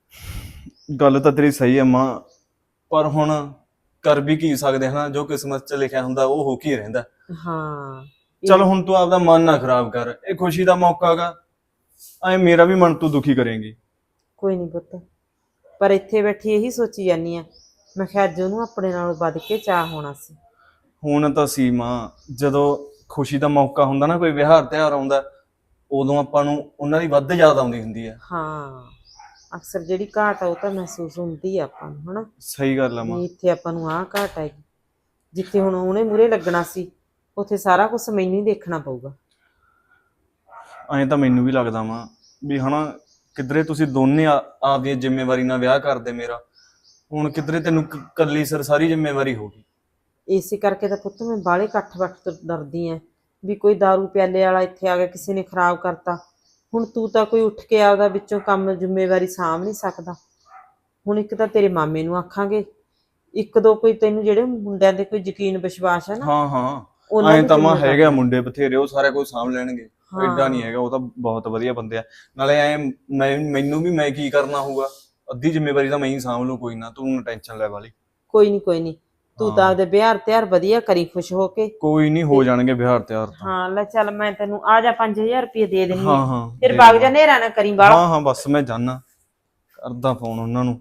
E: ਗੱਲ ਤਾਂ ਤੇਰੀ ਸਹੀ ਹੈ ਮਾਂ, ਪਰ ਹੁਣ ਕਰ ਵੀ ਕੀ ਸਕਦੇ ਹਨਾ। ਜੋ ਕਿਸਮਤ 'ਚ ਲਿਖਿਆ ਹੁੰਦਾ ਉਹ ਹੋ ਕੇ ਰਹਿੰਦਾ।
G: ਹਾਂ,
E: ਚਲ ਹੁਣ ਤੂੰ ਆਪਦਾ ਮਨ ਨਾ ਖਰਾਬ ਕਰ, ਇਹ ਖੁਸ਼ੀ ਦਾ ਮੌਕਾ ਗਾ। ਐ ਮੇਰਾ ਵੀ ਮਨ ਤੂੰ ਦੁਖੀ ਕਰੇਂਗੀ।
G: ਕੋਈ ਨਹੀਂ ਪੁੱਤ, ਪਰ ਇੱਥੇ ਬੈਠੀ ਇਹੀ ਸੋਚੀ ਜਾਨੀ ਆ, ਮੈਂ ਕਿਹਾ ਅੱਜ ਉਹਨੂੰ ਆਪਣੇ ਨਾਲੋਂ ਵੱਧ ਕੇ ਚਾਹ ਹੋਣਾ ਸੀ।
E: ਹੁਣ ਤਾਂ ਸੀ ਮਾਂ, ਜਦੋਂ ਖੁਸ਼ੀ ਦਾ ਮੌਕਾ ਹੁੰਦਾ ਨਾ, ਕੋਈ ਵਿਹਾਰ ਤਿਉਹਾਰ ਆਉਂਦਾ, ਉਦੋਂ ਆਪਾਂ ਨੂੰ ਉਹਨਾਂ ਦੀ ਵੱਧ ਯਾਦ ਆਉਂਦੀ ਹੁੰਦੀ ਆ।
G: ਹਾਂ, ਅਕਸਰ ਜਿਹੜੀ ਘਾਟ ਆ ਉਹ ਤਾਂ ਮਹਿਸੂਸ ਹੁੰਦੀ ਆ ਆਪਾਂ ਨੂੰ, ਹਨਾ
E: ਸਹੀ ਗੱਲ ਆ ਮਾਂ।
G: ਵੀ ਇੱਥੇ ਆਪਾਂ ਨੂੰ ਆਹ ਘਾਟ ਹੈਗੀ। ਜਿੱਥੇ ਹੁਣ ਉਹਨੇ ਮੂਹਰੇ ਲੱਗਣਾ ਸੀ, ਉੱਥੇ ਸਾਰਾ ਕੁਝ ਮੈਨੂੰ ਹੀ ਦੇਖਣਾ ਪਊਗਾ।
E: ਐਂ ਤਾਂ ਮੈਨੂੰ ਵੀ ਲੱਗਦਾ ਮਾਂ ਵੀ ਹਨਾ, ਕਿਧਰੇ ਤੁਸੀਂ ਦੋਨੇ ਆਪਦੀ ਜ਼ਿੰਮੇਵਾਰੀ ਨਾਲ ਵਿਆਹ ਕਰਦੇ ਮੇਰਾ, ਹੁਣ ਕਿਧਰੇ ਤੈਨੂੰ ਕੱਲੀ ਸਿਰ ਸਾਰੀ ਜ਼ਿੰਮੇਵਾਰੀ ਹੋ ਗਈ।
G: ਇਸੇ ਕਰਕੇ ਤਾਂ ਪੁੱਤ ਮੈਂ ਬਾਹਲੇ ਇਕੱਠ ਵੱਠ ਤੋਂ ਡਰਦੀ ਐ ਵੀ ਕੋਈ ਦਾਰੂ ਪਿਆਲੇ ਵਾਲਾ ਇੱਥੇ ਆ ਗਿਆ, ਕਿਸੇ ਨੇ ਖਰਾਬ ਕਰਤਾ। ਹੁਣ ਤੂੰ ਤਾਂ ਕੋਈ ਉੱਠ ਕੇ ਆਪਦਾ ਵਿੱਚੋਂ ਕੰਮ ਜ਼ਿੰਮੇਵਾਰੀ ਸਾਂਭ ਨਹੀਂ ਸਕਦਾ। ਹੁਣ ਇੱਕ ਤਾਂ ਤੇਰੇ ਮਾਮੇ ਨੂੰ ਆਖਾਂਗੇ, ਇੱਕ ਦੋ ਕੋਈ ਤੈਨੂੰ ਜਿਹੜੇ ਮੁੰਡਿਆਂ ਦੇ ਕੋਈ ਯਕੀਨ ਵਿਸ਼ਵਾਸ ਹੈ ਨਾ,
E: ਹਾਂ ਹਾਂ,
G: ਉਹਨਾਂ
E: ਐਂ
G: ਦੀ
E: ਤਾਂ ਮਾਂ
G: ਜ਼ਿੰਮੇਵਾਰੀ।
E: ਹੈਗਾ ਮੁੰਡੇ ਬਥੇਰੇ, ਉਹ ਸਾਰਾ ਕੁਝ ਸਾਂਭ ਲੈਣਗੇ।
G: ਹਾਂ।
E: ਐਡਾ ਨਹੀਂ ਹੈਗਾ, ਉਹ ਤਾਂ ਬਹੁਤ ਵਧੀਆ ਬੰਦੇ ਆ। ਨਾਲੇ ਐ ਮੈਨੂੰ ਵੀ ਮੈਂ ਕੀ ਕਰਨਾ ਹੋਊਗਾ, ਅੱਧੀ ਜ਼ਿੰਮੇਵਾਰੀ ਤਾਂ ਮੈਂ ਹੀ ਸਾਂਭ ਲੂ, ਕੋਈ ਨਾ ਤੂੰ ਟੈਨਸ਼ਨ ਲੈ ਵਾਲੀ।
G: ਕੋਈ ਨਹੀਂ ਤੂੰ ਤਾਂ ਆਪਦੇ ਵਿਹਾਰ ਤਿਆਰ ਵਧੀਆ ਕਰੀ, ਖੁਸ਼ ਹੋ ਕੇ।
E: ਕੋਈ ਨਹੀਂ, ਹੋ ਜਾਣਗੇ ਵਿਹਾਰ ਤਿਆਰ ਤਾਂ।
G: ਹਾਂ ਲੈ ਚੱਲ, ਮੈਂ ਤੈਨੂੰ ਆ ਜਾ 5000 ਰੁਪਏ ਦੇ ਦਿੰਨੀ
E: ਹਾਂ
G: ਆ,
E: ਹਾਂ,
G: ਫਿਰ
E: ਦੇ
G: ਵਗ
E: ਦੇਣਾ।
G: ਜਾ, ਨੇਰਾ ਨਾ ਕਰੀ ਬਾਹਲਾ।
E: ਹਾਂ ਹਾਂ, ਬਸ ਮੈਂ ਜਾਣਾ, ਕਰਦਾ ਫੋਨ ਉਹਨਾਂ ਨੂੰ।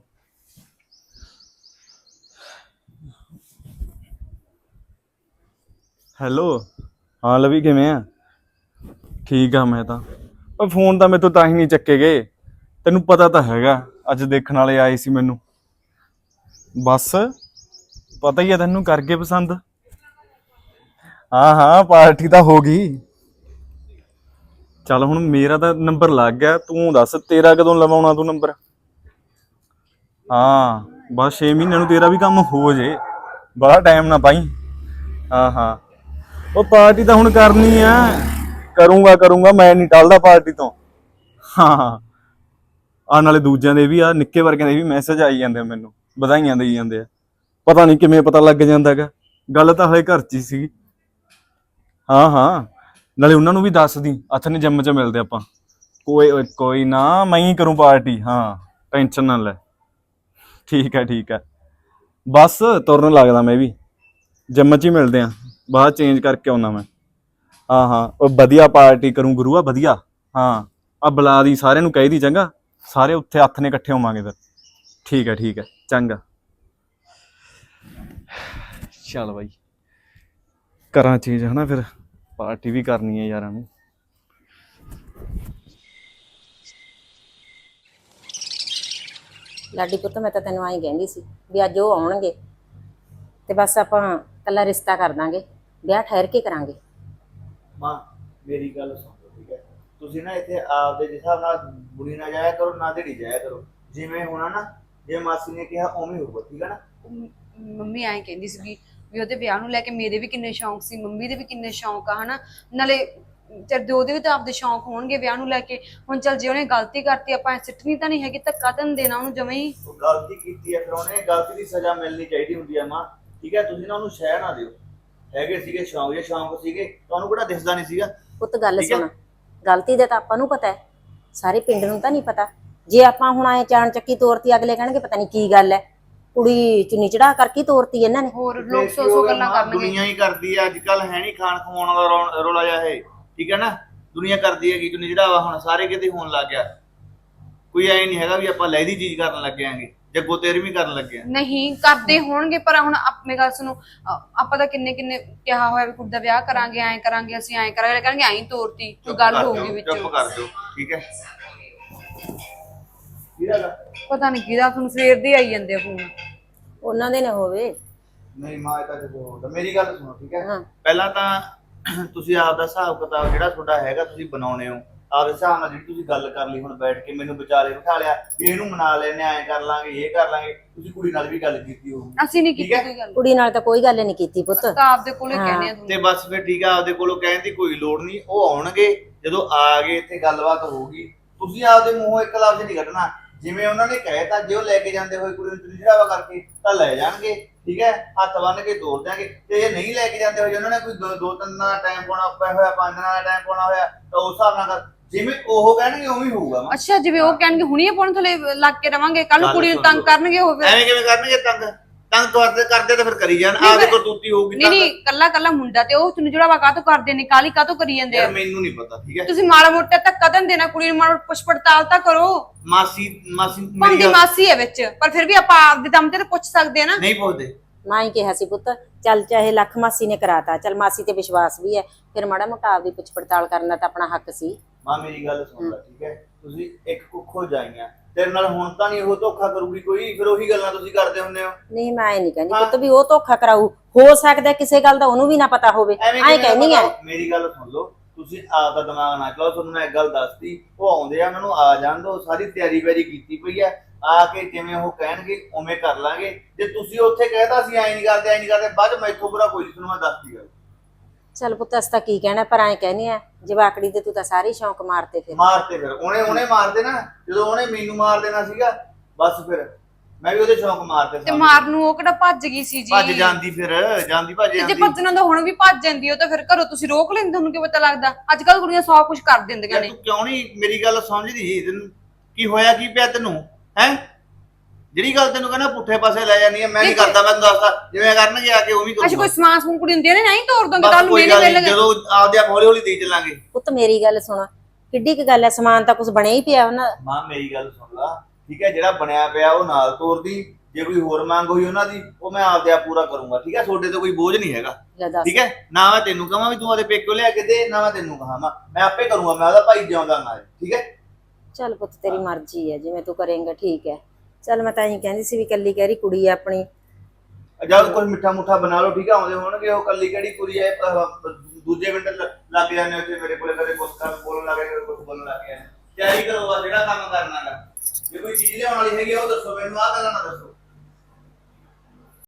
E: ਹੈਲੋ, ਹਾਂ ਲਵੀ ਕਿਵੇਂ ਆ? ਠੀਕ ਆ ਮੈਂ ਤਾਂ। ਉਹ ਫੋਨ ਤਾਂ ਮੇਰੇ ਤੋਂ ਤਾਂ ਹੀ ਨਹੀਂ ਚੱਕੇ ਗਏ, ਤੈਨੂੰ ਪਤਾ ਤਾਂ ਹੈਗਾ ਅੱਜ ਦੇਖਣ ਵਾਲੇ ਆਏ ਸੀ ਮੈਨੂੰ। ਬਸ ਪਤਾ ਹੀ ਆ ਤੈਨੂੰ, ਕਰਕੇ ਪਸੰਦ। ਹਾਂ ਹਾਂ, ਪਾਰਟੀ ਤਾਂ ਹੋ ਗਈ। ਚੱਲ ਹੁਣ ਮੇਰਾ ਤਾਂ ਨੰਬਰ ਲੱਗ ਗਿਆ, ਤੂੰ ਦੱਸ ਤੇਰਾ ਕਦੋਂ ਲਵਾਉਣਾ ਤੂੰ ਨੰਬਰ? ਹਾਂ ਬਸ 6 ਮਹੀਨਿਆਂ ਨੂੰ ਤੇਰਾ ਵੀ ਕੰਮ ਹੋ ਜੇ, ਬੜਾ ਟਾਈਮ ਨਾ ਪਾਈ। ਹਾਂ ਹਾਂ, ਉਹ ਪਾਰਟੀ ਤਾਂ ਹੁਣ ਕਰਨੀ ਆ, ਕਰੂੰਗਾ, ਮੈਂ ਨਹੀਂ ਟਲਦਾ ਪਾਰਟੀ ਤੋਂ। ਹਾਂ, ਆ ਨਾਲੇ ਦੂਜਿਆਂ ਦੇ ਵੀ, ਆ ਨਿੱਕੇ ਵਰਗਿਆਂ ਦੇ ਵੀ ਮੈਸੇਜ ਆਈ ਜਾਂਦੇ ਆ ਮੈਨੂੰ, ਵਧਾਈਆਂ ਦੇਈ ਜਾਂਦੇ ਆ। ਪਤਾ ਨਹੀਂ ਕਿਵੇਂ ਪਤਾ ਲੱਗ ਜਾਂਦਾ ਹੈਗਾ, ਗੱਲ ਤਾਂ ਹਲੇ ਘਰ 'ਚ ਹੀ ਸੀ। ਹਾਂ ਹਾਂ, ਨਾਲੇ ਉਹਨਾਂ ਨੂੰ ਵੀ ਦੱਸ ਦੀ, ਅੱਛਾ ਨੇ ਜਿੰਮ 'ਚ ਮਿਲਦੇ ਆਪਾਂ। ਕੋਈ ਨਾ, ਮੈਂ ਹੀ ਕਰੂੰ ਪਾਰਟੀ। ਹਾਂ ਟੈਨਸ਼ਨ ਨਾ ਲੈ। ਠੀਕ ਹੈ, ਬਸ ਤੁਰਨ ਲੱਗਦਾ ਮੈਂ ਵੀ, ਜਿੰਮ 'ਚ ਹੀ ਮਿਲਦੇ ਆ, ਬਾਅਦ ਚੇਂਜ ਕਰਕੇ ਆਉਣਾ ਮੈਂ। ਹਾਂ ਉਹ ਵਧੀਆ ਪਾਰਟੀ ਕਰੂੰ ਗੁਰੂਆ, ਵਧੀਆ। ਹਾਂ ਆ ਬੁਲਾ ਦੀ, ਸਾਰਿਆਂ ਨੂੰ ਕਹਿ ਦੀ, ਚੰਗਾ ਸਾਰੇ ਉੱਥੇ ਹੱਥ ਨੇ ਇਕੱਠੇ ਹੋਵਾਂਗੇ ਫਿਰ। ਠੀਕ ਹੈ, ਚੰਗਾ। ਚੱਲ ਬਾਈ, ਕਰਾਂ ਚੇਂਜ ਹਨਾ, ਫਿਰ ਪਾਰਟੀ ਵੀ ਕਰਨੀ ਹੈ ਯਾਰਾਂ ਨੂੰ।
F: ਲਾਡੀ ਪੁੱਤ, ਮੈਂ ਤਾਂ ਤੈਨੂੰ ਆਈ ਕਹਿੰਦੀ ਸੀ ਵੀ ਅੱਜ ਉਹ ਆਉਣਗੇ ਤੇ ਬਸ ਆਪਾਂ ਕੱਲਾ ਰਿਸ਼ਤਾ ਕਰ ਦਾਂਗੇ, ਵਿਆਹ ਠਹਿਰ ਕੇ ਕਰਾਂਗੇ।
D: ਮਾਂ ਮੇਰੀ ਗੱਲ ਸੁਣ ਲਓ, ਠੀਕ ਹੈ? ਤੁਸੀਂ ਨਾ ਇੱਥੇ ਆਪਦੇ ਜਿਸ ਹਿਸਾਬ ਨਾਲ ਬੁੜੀ ਨਾ ਜਾਇਆ ਕਰੋ, ਨਾ ਢੜੀ ਜਾਇਆ ਕਰੋ। ਜਿਵੇਂ ਹੋਣਾ ਨਾ, ਜੇ ਮਾਸੀ ਨੇ ਕਿਹਾ ਉਵੇਂ ਹੋਊਗਾ, ਠੀਕ ਹੈ ਨਾ?
A: ਮੰਮੀ ਐਂ ਕਹਿੰਦੀ ਸੀਗੀ ਵੀ ਉਹਦੇ ਵਿਆਹ ਨੂੰ ਲੈ ਕੇ ਮੇਰੇ ਵੀ ਕਿੰਨੇ ਸ਼ੌਂਕ ਸੀ, ਮੰਮੀ ਦੇ ਵੀ ਕਿੰਨੇ ਸ਼ੌਂਕ ਆ ਹਨਾ। ਨਾਲੇ ਤੇ ਉਹਦੇ ਵੀ ਤਾਂ ਆਪਦੇ ਸ਼ੌਂਕ ਹੋਣਗੇ ਵਿਆਹ ਨੂੰ ਲੈ ਕੇ। ਹੁਣ ਚੱਲ ਜੇ ਉਹਨੇ ਗਲਤੀ ਕਰਤੀ, ਆਪਾਂ ਐ ਸਿੱਟਣੀ ਤਾਂ ਨਹੀਂ ਹੈਗੀ, ਧੱਕਾ ਤਾਂ ਨੀ ਦੇਣਾ ਉਹਨੂੰ ਜਵੇਂ ਹੀ।
D: ਉਹ ਗਲਤੀ ਕੀਤੀ ਹੈ, ਫਿਰ ਉਹਨੇ ਗਲਤੀ ਦੀ ਸਜ਼ਾ ਮਿਲਣੀ ਚਾਹੀਦੀ ਹੁੰਦੀ ਹੈ ਮਾਂ, ਠੀਕ ਹੈ? ਤੁਸੀਂ ਨਾ ਉਹਨੂੰ ਸ਼ਹਿ ਨਾ ਦਿਓ। ਹੈਗੇ ਸੀਗੇ ਸ਼ੌਂਕ, ਜੇ ਸ਼ੌਂਕ ਸੀਗੇ ਤੁਹਾਨੂੰ ਕਿਹੜਾ ਦਿਸਦਾ ਨਹੀਂ ਸੀਗਾ?
F: ਪੁੱਤ ਗੱਲ
D: ਠੀਕ ਹੈ।
F: ਸੁਣ, ਗਲਤੀ ਦਾ ਤਾਂ ਆਪਾਂ ਨੂੰ ਪਤਾ ਹੈ, ਸਾਰੇ ਪਿੰਡ ਨੂੰ ਤਾਂ ਨਹੀਂ ਪਤਾ। ਜੇ ਆਪਾਂ ਹੁਣ ਆਏ ਚਾਣ ਚੱਕੀ ਤੋਰਤੀ, ਅਗਲੇ ਕਹਿਣਗੇ ਪਤਾ ਨਹੀਂ ਕੀ ਗੱਲ ਹੈ, ਕੁੜੀ ਚੁੰਨੀ ਚੜਾ ਕਰਕੇ ਤੋਰਤੀ ਇਹਨਾਂ ਨੇ।
A: ਹੋਰ ਲੋਕ ਸੌ ਗੱਲਾਂ ਕਰਨਗੇ।
D: ਦੁਨੀਆ ਹੀ ਕਰਦੀ ਹੈ ਅੱਜ ਕੱਲ, ਹੈ ਨਹੀਂ ਖਾਣ ਖਵਾਉਣ ਵਾਲਾ ਰੋਲਾ ਜਿਹਾ ਇਹ, ਠੀਕ ਹੈ ਨਾ? ਦੁਨੀਆ ਕਰਦੀ ਹੈਗੀ ਚੁੰਨੀ ਚੜਾਵਾ, ਹੁਣ ਸਾਰੇ ਕਿਤੇ ਹੋਣ ਲੱਗ ਗਿਆ। ਕੋਈ ਐ ਨਹੀਂ ਹੈਗਾ ਵੀ ਆਪਾਂ ਲਹਿਦੀ ਚੀਜ਼ ਕਰਨ ਲੱਗੇ ਆਂਗੇ, ਜੱਗੋ ਤੇਰਵੀਂ ਕਰਨ ਲੱਗੇ ਆ।
A: ਨਹੀਂ ਕਰਦੇ ਹੋਣਗੇ, ਪਰ ਹੁਣ ਆਪਣੇ ਗੱਲ ਸੁਣੋ, ਆਪਾਂ ਤਾਂ ਕਿੰਨੇ ਕਿਹਾ ਹੋਇਆ ਵੀ ਕੁੜੀ ਦਾ ਵਿਆਹ ਕਰਾਂਗੇ, ਐਂ ਕਰਾਂਗੇ, ਅਸੀਂ ਐਂ ਕਰਾਂਗੇ, ਕਹਿੰਗੇ ਐਂ ਤੋਰਤੀ, ਕੋਈ ਗੱਲ ਹੋਊਗੀ ਵਿੱਚ।
D: ਚੁੱਪ ਕਰ ਦਿਓ, ਠੀਕ ਹੈ?
A: ਪਤਾ ਨਹੀਂ ਕਿਹਦਾ, ਤੁਹਾਨੂੰ ਸਵੇਰ ਦੇ ਆਈ ਜਾਂਦੇ ਆ ਫੋਨ।
F: ਉਹਨਾਂ ਦੇ ਨਾ ਹੋਵੇ।
D: ਨਹੀਂ ਮਾਂ, ਇਹ ਤਾਂ ਜਦੋਂ ਹੁੰਦਾ। ਮੇਰੀ ਗੱਲ ਸੁਣੋ, ਠੀਕ ਹੈ?
F: ਹਾਂ।
D: ਪਹਿਲਾਂ ਤਾਂ ਤੁਸੀਂ ਆਪ ਦਾ ਹਿਸਾਬ ਕਿਤਾਬ ਜਿਹੜਾ ਤੁਹਾਡਾ ਹੈਗਾ ਤੁਸੀਂ ਬਣਾਉਣੇ ਹੋ ਆਪਦੇ ਹਿਸਾਬ ਨਾਲ। ਜਿਹੜੀ ਤੁਸੀਂ ਗੱਲ ਕਰ ਲਈ ਹੁਣ ਬੈਠ ਕੇ, ਮੈਨੂੰ ਵਿਚਾਲੇ ਬਿਠਾ ਲਿਆ ਵੀ ਇਹਨੂੰ ਮਨਾ ਲੈਣੇ, ਐਂ ਕਰ ਲਾਂਗੇ, ਇਹ ਕਰ ਲਾਂਗੇ। ਤੁਸੀਂ ਕੁੜੀ ਨਾਲ ਵੀ ਗੱਲ ਕੀਤੀ ਹੋਊਗੀ।
A: ਅਸੀਂ ਨਹੀਂ
D: ਠੀਕ
A: ਕੀਤੀ
D: ਹੈ?
A: ਕੋਈ ਗੱਲ,
F: ਕੁੜੀ ਨਾਲ ਤਾਂ ਕੋਈ ਗੱਲ ਨਹੀਂ ਕੀਤੀ ਪੁੱਤ।
A: ਤਾਂ ਆਪਦੇ ਕੋਲੇ ਕਹਿੰਦੇ ਆ
D: ਤੇ
A: ਤੁਹਾਨੂੰ।
D: ਬਸ ਫਿਰ ਠੀਕ ਆ, ਆਪਦੇ ਕੋਲੋਂ ਕਹਿਣ ਦੀ ਕੋਈ ਲੋੜ ਨਹੀਂ। ਉਹ ਆਉਣਗੇ, ਜਦੋਂ ਆ ਗਏ ਇੱਥੇ ਗੱਲਬਾਤ ਹੋਊਗੀ। ਤੁਸੀਂ ਆਪਦੇ ਮੂੰਹੋਂ ਇੱਕ ਲਫ਼ਜ਼ ਨਹੀਂ ਕੱਢਣਾ। ਜਿਵੇਂ ਉਹਨਾਂ ਨੇ ਕਹਿਤਾ, ਜੇ ਉਹ ਲੈ ਕੇ ਜਾਂਦੇ ਹੋਏ ਕੁੜੀ ਨੂੰ ਚੁੰਨੀ ਚੜਾਵਾ ਕਰਕੇ ਤਾਂ ਲੈ ਜਾਣਗੇ, ਠੀਕ ਹੈ? ਹੱਥ ਬੰਨ ਕੇ ਤੋਰ ਦਿਆਂਗੇ। ਤੇ ਜੇ ਨਹੀਂ ਲੈ ਕੇ ਜਾਂਦੇ ਹੋਏ, ਉਹਨਾਂ ਨੇ ਕੋਈ ਦੋ ਤਿੰਨ ਦਿਨਾਂ ਦਾ ਟਾਈਮ ਪਾਉਣਾ ਪਿਆ ਹੋਇਆ, 5 ਦਿਨਾਂ ਦਾ ਟਾਈਮ ਪਾਉਣਾ ਹੋਇਆ, ਤਾਂ ਉਸ ਹਿਸਾਬ ਨਾਲ ਜਿਵੇਂ ਉਹ ਕਹਿਣਗੇ ਉਵੇਂ ਹੋਊਗਾ।
A: ਅੱਛਾ, ਜਿਵੇਂ ਉਹ ਕਹਿਣਗੇ ਹੁਣੀ ਆਪਾਂ ਥੱਲੇ ਲੱਗ ਕੇ ਰਵਾਂਗੇ, ਕੱਲ ਨੂੰ ਕੁੜੀ ਨੂੰ ਤੰਗ ਕਰਨਗੇ ਉਹ ਫਿਰ।
D: ਐਵੇਂ ਕਿਵੇਂ ਕਰਨਗੇ ਤੰਗ? ਤੰਗ ਕਰਦੇ ਤਾਂ ਫਿਰ ਕਰੀ ਜਾਣ, ਆਪਦੇ ਕੋਲ ਤੂਤੀ ਹੋਊਗੀ
A: ਨਹੀਂ ਨਹੀਂ, ਕੱਲਾ ਕੱਲਾ ਮੁੰਡਾ ਤੇ ਉਹ ਚੁੰਨੀ ਚੜਾਵਾ ਕਾਹਤੋਂ ਕਰਦੇ ਨੇ, ਕਾਲੀ ਕਾਹਤੋਂ ਕਰੀ ਜਾਂਦੇ ਆ?
D: ਯਾਰ ਮੈਨੂੰ ਨਹੀਂ ਪਤਾ, ਠੀਕ ਹੈ?
A: ਤੁਸੀਂ ਮਾੜਾ ਮੋਟਾ ਧੱਕਾ ਤਾਂ ਨੀ ਦੇਣਾ ਕੁੜੀ ਨੂੰ, ਮਾੜਾ ਮੋਟਾ ਪੁੱਛ ਪੜਤਾਲ ਤਾਂ ਕਰੋ।
D: ਮਾਸੀ
A: ਭਾਂਦੀ ਮਾਸੀ ਹੈ ਵਿੱਚ, ਪਰ ਫਿਰ ਵੀ ਆਪਾਂ ਆਪਦੇ ਦਮ ਤੇ ਤਾਂ ਪੁੱਛ ਸਕਦੇ ਆ ਨਾ।
D: ਨਹੀਂ ਪੁੱਛਦੇ।
F: ਮਾਂ ਹੀ ਕਿਹਾ ਸੀ ਪੁੱਤ, ਚੱਲ ਚਾਹੇ ਲੱਖ ਮਾਸੀ ਨੇ ਕਰਾਤਾ, ਚੱਲ ਮਾਸੀ ਤੇ ਵਿਸ਼ਵਾਸ ਵੀ ਹੈ, ਫਿਰ ਮਾੜਾ ਮੋਟਾ ਆਪਦੀ ਪੁੱਛ ਪੜਤਾਲ ਕਰਨਾ ਤਾਂ ਆਪਣਾ ਹੱਕ ਸੀ।
D: ਮਾਂ ਮੇਰੀ ਗੱਲ ਸੁਣ ਲੈ, ਠੀਕ ਹੈ? ਤੁਸੀਂ ਇੱਕ ਕੁੱਖੋ ਜਾਈਆਂ, ਤੇਰੇ ਨਾਲ ਹੁਣ ਤਾਂ ਨਹੀਂ ਉਹ ਧੋਖਾ ਕਰੂਗੀ ਕੋਈ, ਫਿਰ ਉਹੀ ਗੱਲਾਂ ਤੁਸੀਂ ਕਰਦੇ ਹੁੰਦੇ ਹੋ।
F: ਨਹੀਂ ਮੈਂ ਇਹ ਨਹੀਂ ਕਹਿੰਦੀ ਪੁੱਤ ਵੀ ਉਹ ਧੋਖਾ ਕਰਾਊ, ਹੋ ਸਕਦਾ ਕਿਸੇ ਗੱਲ ਦਾ ਉਹਨੂੰ ਵੀ ਨਾ ਪਤਾ ਹੋਵੇ, ਐਂ ਕਹਿੰਦੀ ਆ।
D: ਮੇਰੀ ਗੱਲ ਸੁਣ ਲਓ, ਤੁਸੀਂ ਆਪ ਦਾ ਦਿਮਾਗ ਨਾ ਚਲਾਓ, ਤੁਹਾਨੂੰ ਮੈਂ ਇੱਕ ਗੱਲ ਦੱਸਦੀ, ਉਹ ਆਉਂਦੇ ਆ, ਉਹਨਾਂ ਨੂੰ ਆ ਜਾਣ ਦਿਓ, ਸਾਰੀ ਤਿਆਰੀ ਵੈਰੀ ਕੀਤੀ ਪਈ ਹੈ, ਆ ਕੇ ਜਿਵੇਂ ਉਹ ਕਹਿਣਗੇ ਉਵੇਂ ਕਰ ਲਾਂਗੇ। ਜੇ ਤੁਸੀਂ ਉੱਥੇ ਕਹਿਤਾ ਸੀ ਐਂ ਨਹੀਂ ਕਰਦੇ ਐਂ ਨਹੀਂ ਕਰਦੇ, ਬਾਅਦ ਚ ਮੈਥੋਂ ਬੁਰਾ ਕੋਈ ਨਹੀਂ, ਤੁਹਾਨੂੰ ਮੈਂ ਦੱਸਦੀ ਗੱਲ।
F: ਚੱਲ ਪੁੱਤ ਅਸ ਤਾਂ ਕੀ ਕਹਿਣਾ, ਪਰ ਐਂ ਕਹਿੰਦੀ ਆ ਜਵਾਕੜੀ ਦੇ ਤੂੰ ਤਾਂ ਸਾਰੇ ਸ਼ੌਂਕ ਮਾਰਤੇ ਫਿਰ।
D: ਮਾਰਤੇ ਫਿਰ ਉਹਨੇ ਮਾਰਦੇ ਨਾ, ਜਦੋਂ ਉਹਨੇ ਮੈਨੂੰ ਮਾਰ ਦੇਣਾ ਸੀਗਾ, ਬਸ ਫਿਰ ਮੈਂ ਵੀ ਉਹਦੇ ਸ਼ੌਂਕ ਮਾਰਤੇ।
A: ਤੇ ਮਾਰਨ ਨੂੰ ਉਹ ਕਿਹੜਾ ਭੱਜ ਗਈ ਸੀ ਜੀ?
D: ਭੱਜ ਜਾਂਦੀ, ਫਿਰ ਜਾਂਦੀ ਭੱਜ
A: ਤੇ ਜੇ
D: ਜਾਂਦੀ।
A: ਭੱਜਣਾ ਤਾਂ ਹੁਣ ਵੀ ਭੱਜ ਜਾਂਦੀ, ਉਹ ਤਾਂ ਫਿਰ ਘਰੋਂ ਤੁਸੀਂ ਰੋਕ ਲੈਂਦੇ, ਤੁਹਾਨੂੰ ਕੀ ਪਤਾ ਲੱਗਦਾ? ਅੱਜ ਕੱਲ ਕੁੜੀਆਂ ਸੌ ਕੁਝ ਕਰ ਦਿੰਦੀਆਂ ਨੇ।
D: ਤੂੰ ਕਿਉਂ ਨਹੀਂ ਮੇਰੀ ਗੱਲ ਸਮਝਦੀ? ਤੈਨੂੰ ਕੀ ਹੋਇਆ, ਕੀ ਪਿਆ ਤੈਨੂੰ ਹੈ? ਜਿਹੜੀ ਗੱਲ ਤੈਨੂੰ ਕਹਿੰਦਾ ਪੁੱਠੇ ਪਾਸੇ ਲੈ ਜਾਨੀ ਹੈ, ਮੈਂ ਨਹੀਂ ਕਰਦਾ, ਮੈਂ ਦੱਸਦਾ ਜਿਵੇਂ ਕਰਨਗੇ ਆ ਕੇ ਉਵੇਂ
A: ਅੱਛਾ
D: ਕਰੂੰਗਾ।
A: ਕੋਈ ਸਮਾਨ ਸਮੂਨ ਕੁੜੀ ਹੁੰਦੀ ਨੇ, ਨਹੀਂ ਤੋੜ ਦੋਗੇ
D: ਬਸ
A: ਕੱਲ ਨੂੰ
D: ਕੋਈ
A: ਮੇਰੇ
D: ਗੱਲ
A: ਵੇਲੇ।
D: ਨਹੀਂ, ਜਦੋਂ ਆਪਦੇ ਆਪ ਹੌਲੀ ਹੌਲੀ ਦੇ ਚੱਲਾਂਗੇ।
F: ਪੁੱਤ ਮੇਰੀ ਗੱਲ ਸੁਣ, ਕਿੱਡੀ ਕੁ ਗੱਲ ਹੈ, ਸਮਾਨ ਤਾਂ ਕੁਝ ਬਣਿਆ ਹੀ ਪਿਆ ਉਹਨਾਂ।
D: ਮਾਂ ਮੇਰੀ ਗੱਲ ਸੁਣ ਲਾ, ਠੀਕ ਹੈ? ਜਿਹੜਾ ਬਣਿਆ ਪਿਆ ਉਹ ਨਾਲ ਤੋਰਦੀ, ਜੇ ਕੋਈ ਹੋਰ ਮੰਗ ਹੋਈ ਉਹਨਾਂ ਦੀ, ਉਹ ਮੈਂ ਆਪਦੇ ਆਪ ਪੂਰਾ ਕਰੂੰਗਾ, ਠੀਕ ਹੈ? ਤੁਹਾਡੇ ਤੇ ਕੋਈ ਬੋਝ ਨਹੀਂ ਹੈਗਾ,
F: ਲੈ ਦੱਸ।
D: ਠੀਕ ਹੈ? ਨਾ ਮੈਂ ਤੈਨੂੰ ਕਹਾਂ ਵੀ ਤੂੰ ਆਪਦੇ ਪੇਕਿਓ ਲਿਆ ਕੇ ਦੇ, ਨਾ ਮੈਂ ਤੈਨੂੰ ਕਹਾਂ, ਮੈਂ ਆਪੇ ਕਰੂੰਗਾ, ਮੈਂ ਉਹਦਾ ਭਾਈ ਜਿਉਂਦਾ ਨਾਲ, ਠੀਕ ਹੈ?
F: ਚੱਲ ਪੁੱਤ ਤੇਰੀ ਮਰਜ਼ੀ ਹੈ, ਜਿਵੇਂ ਤੂੰ ਕਰੇਂਗਾ ਠੀਕ ਹੈ। ਚੱਲ ਮੈਂ ਤਾਂ ਇਹੀ ਕਹਿੰਦੀ ਸੀ ਵੀ ਕੱਲੀ ਕਹਿ ਰਹੀ ਕੁੜੀ ਆ ਆਪਣੀ।
D: ਜਦ ਕੋਈ ਮਿੱਠਾ ਮੁੱਠਾ ਬਣਾ ਲਓ, ਠੀਕ ਹੈ? ਆਉਂਦੇ ਹੋਣਗੇ, ਉਹ ਕੱਲੀ ਕਿਹੜੀ ਕੁੜੀ ਹੈ, ਦੂਜੇ ਮਿੰਟ ਲੱਗ ਜਾਂਦੇ ਉੱਥੇ ਮੇਰੇ ਕੋਲੇ, ਕਦੇ ਕੁਛ ਕਰ ਬੋਲਣ ਲੱਗ ਗਏ, ਕੁਛ ਬੋਲਣ ਲੱਗ ਗਏ। ਤਿਆਰੀ ਕਰੋ, ਜਿਹੜਾ ਕੰਮ ਕਰਨਾ ਗਾ। ਜੇ ਕੋਈ ਚੀਜ਼ ਲਿਆਉਣ ਵਾਲੀ ਹੈਗੀ ਉਹ ਦੱਸੋ ਮੈਨੂੰ, ਆਹ ਗੱਲਾਂ ਨਾ ਦੱਸੋ।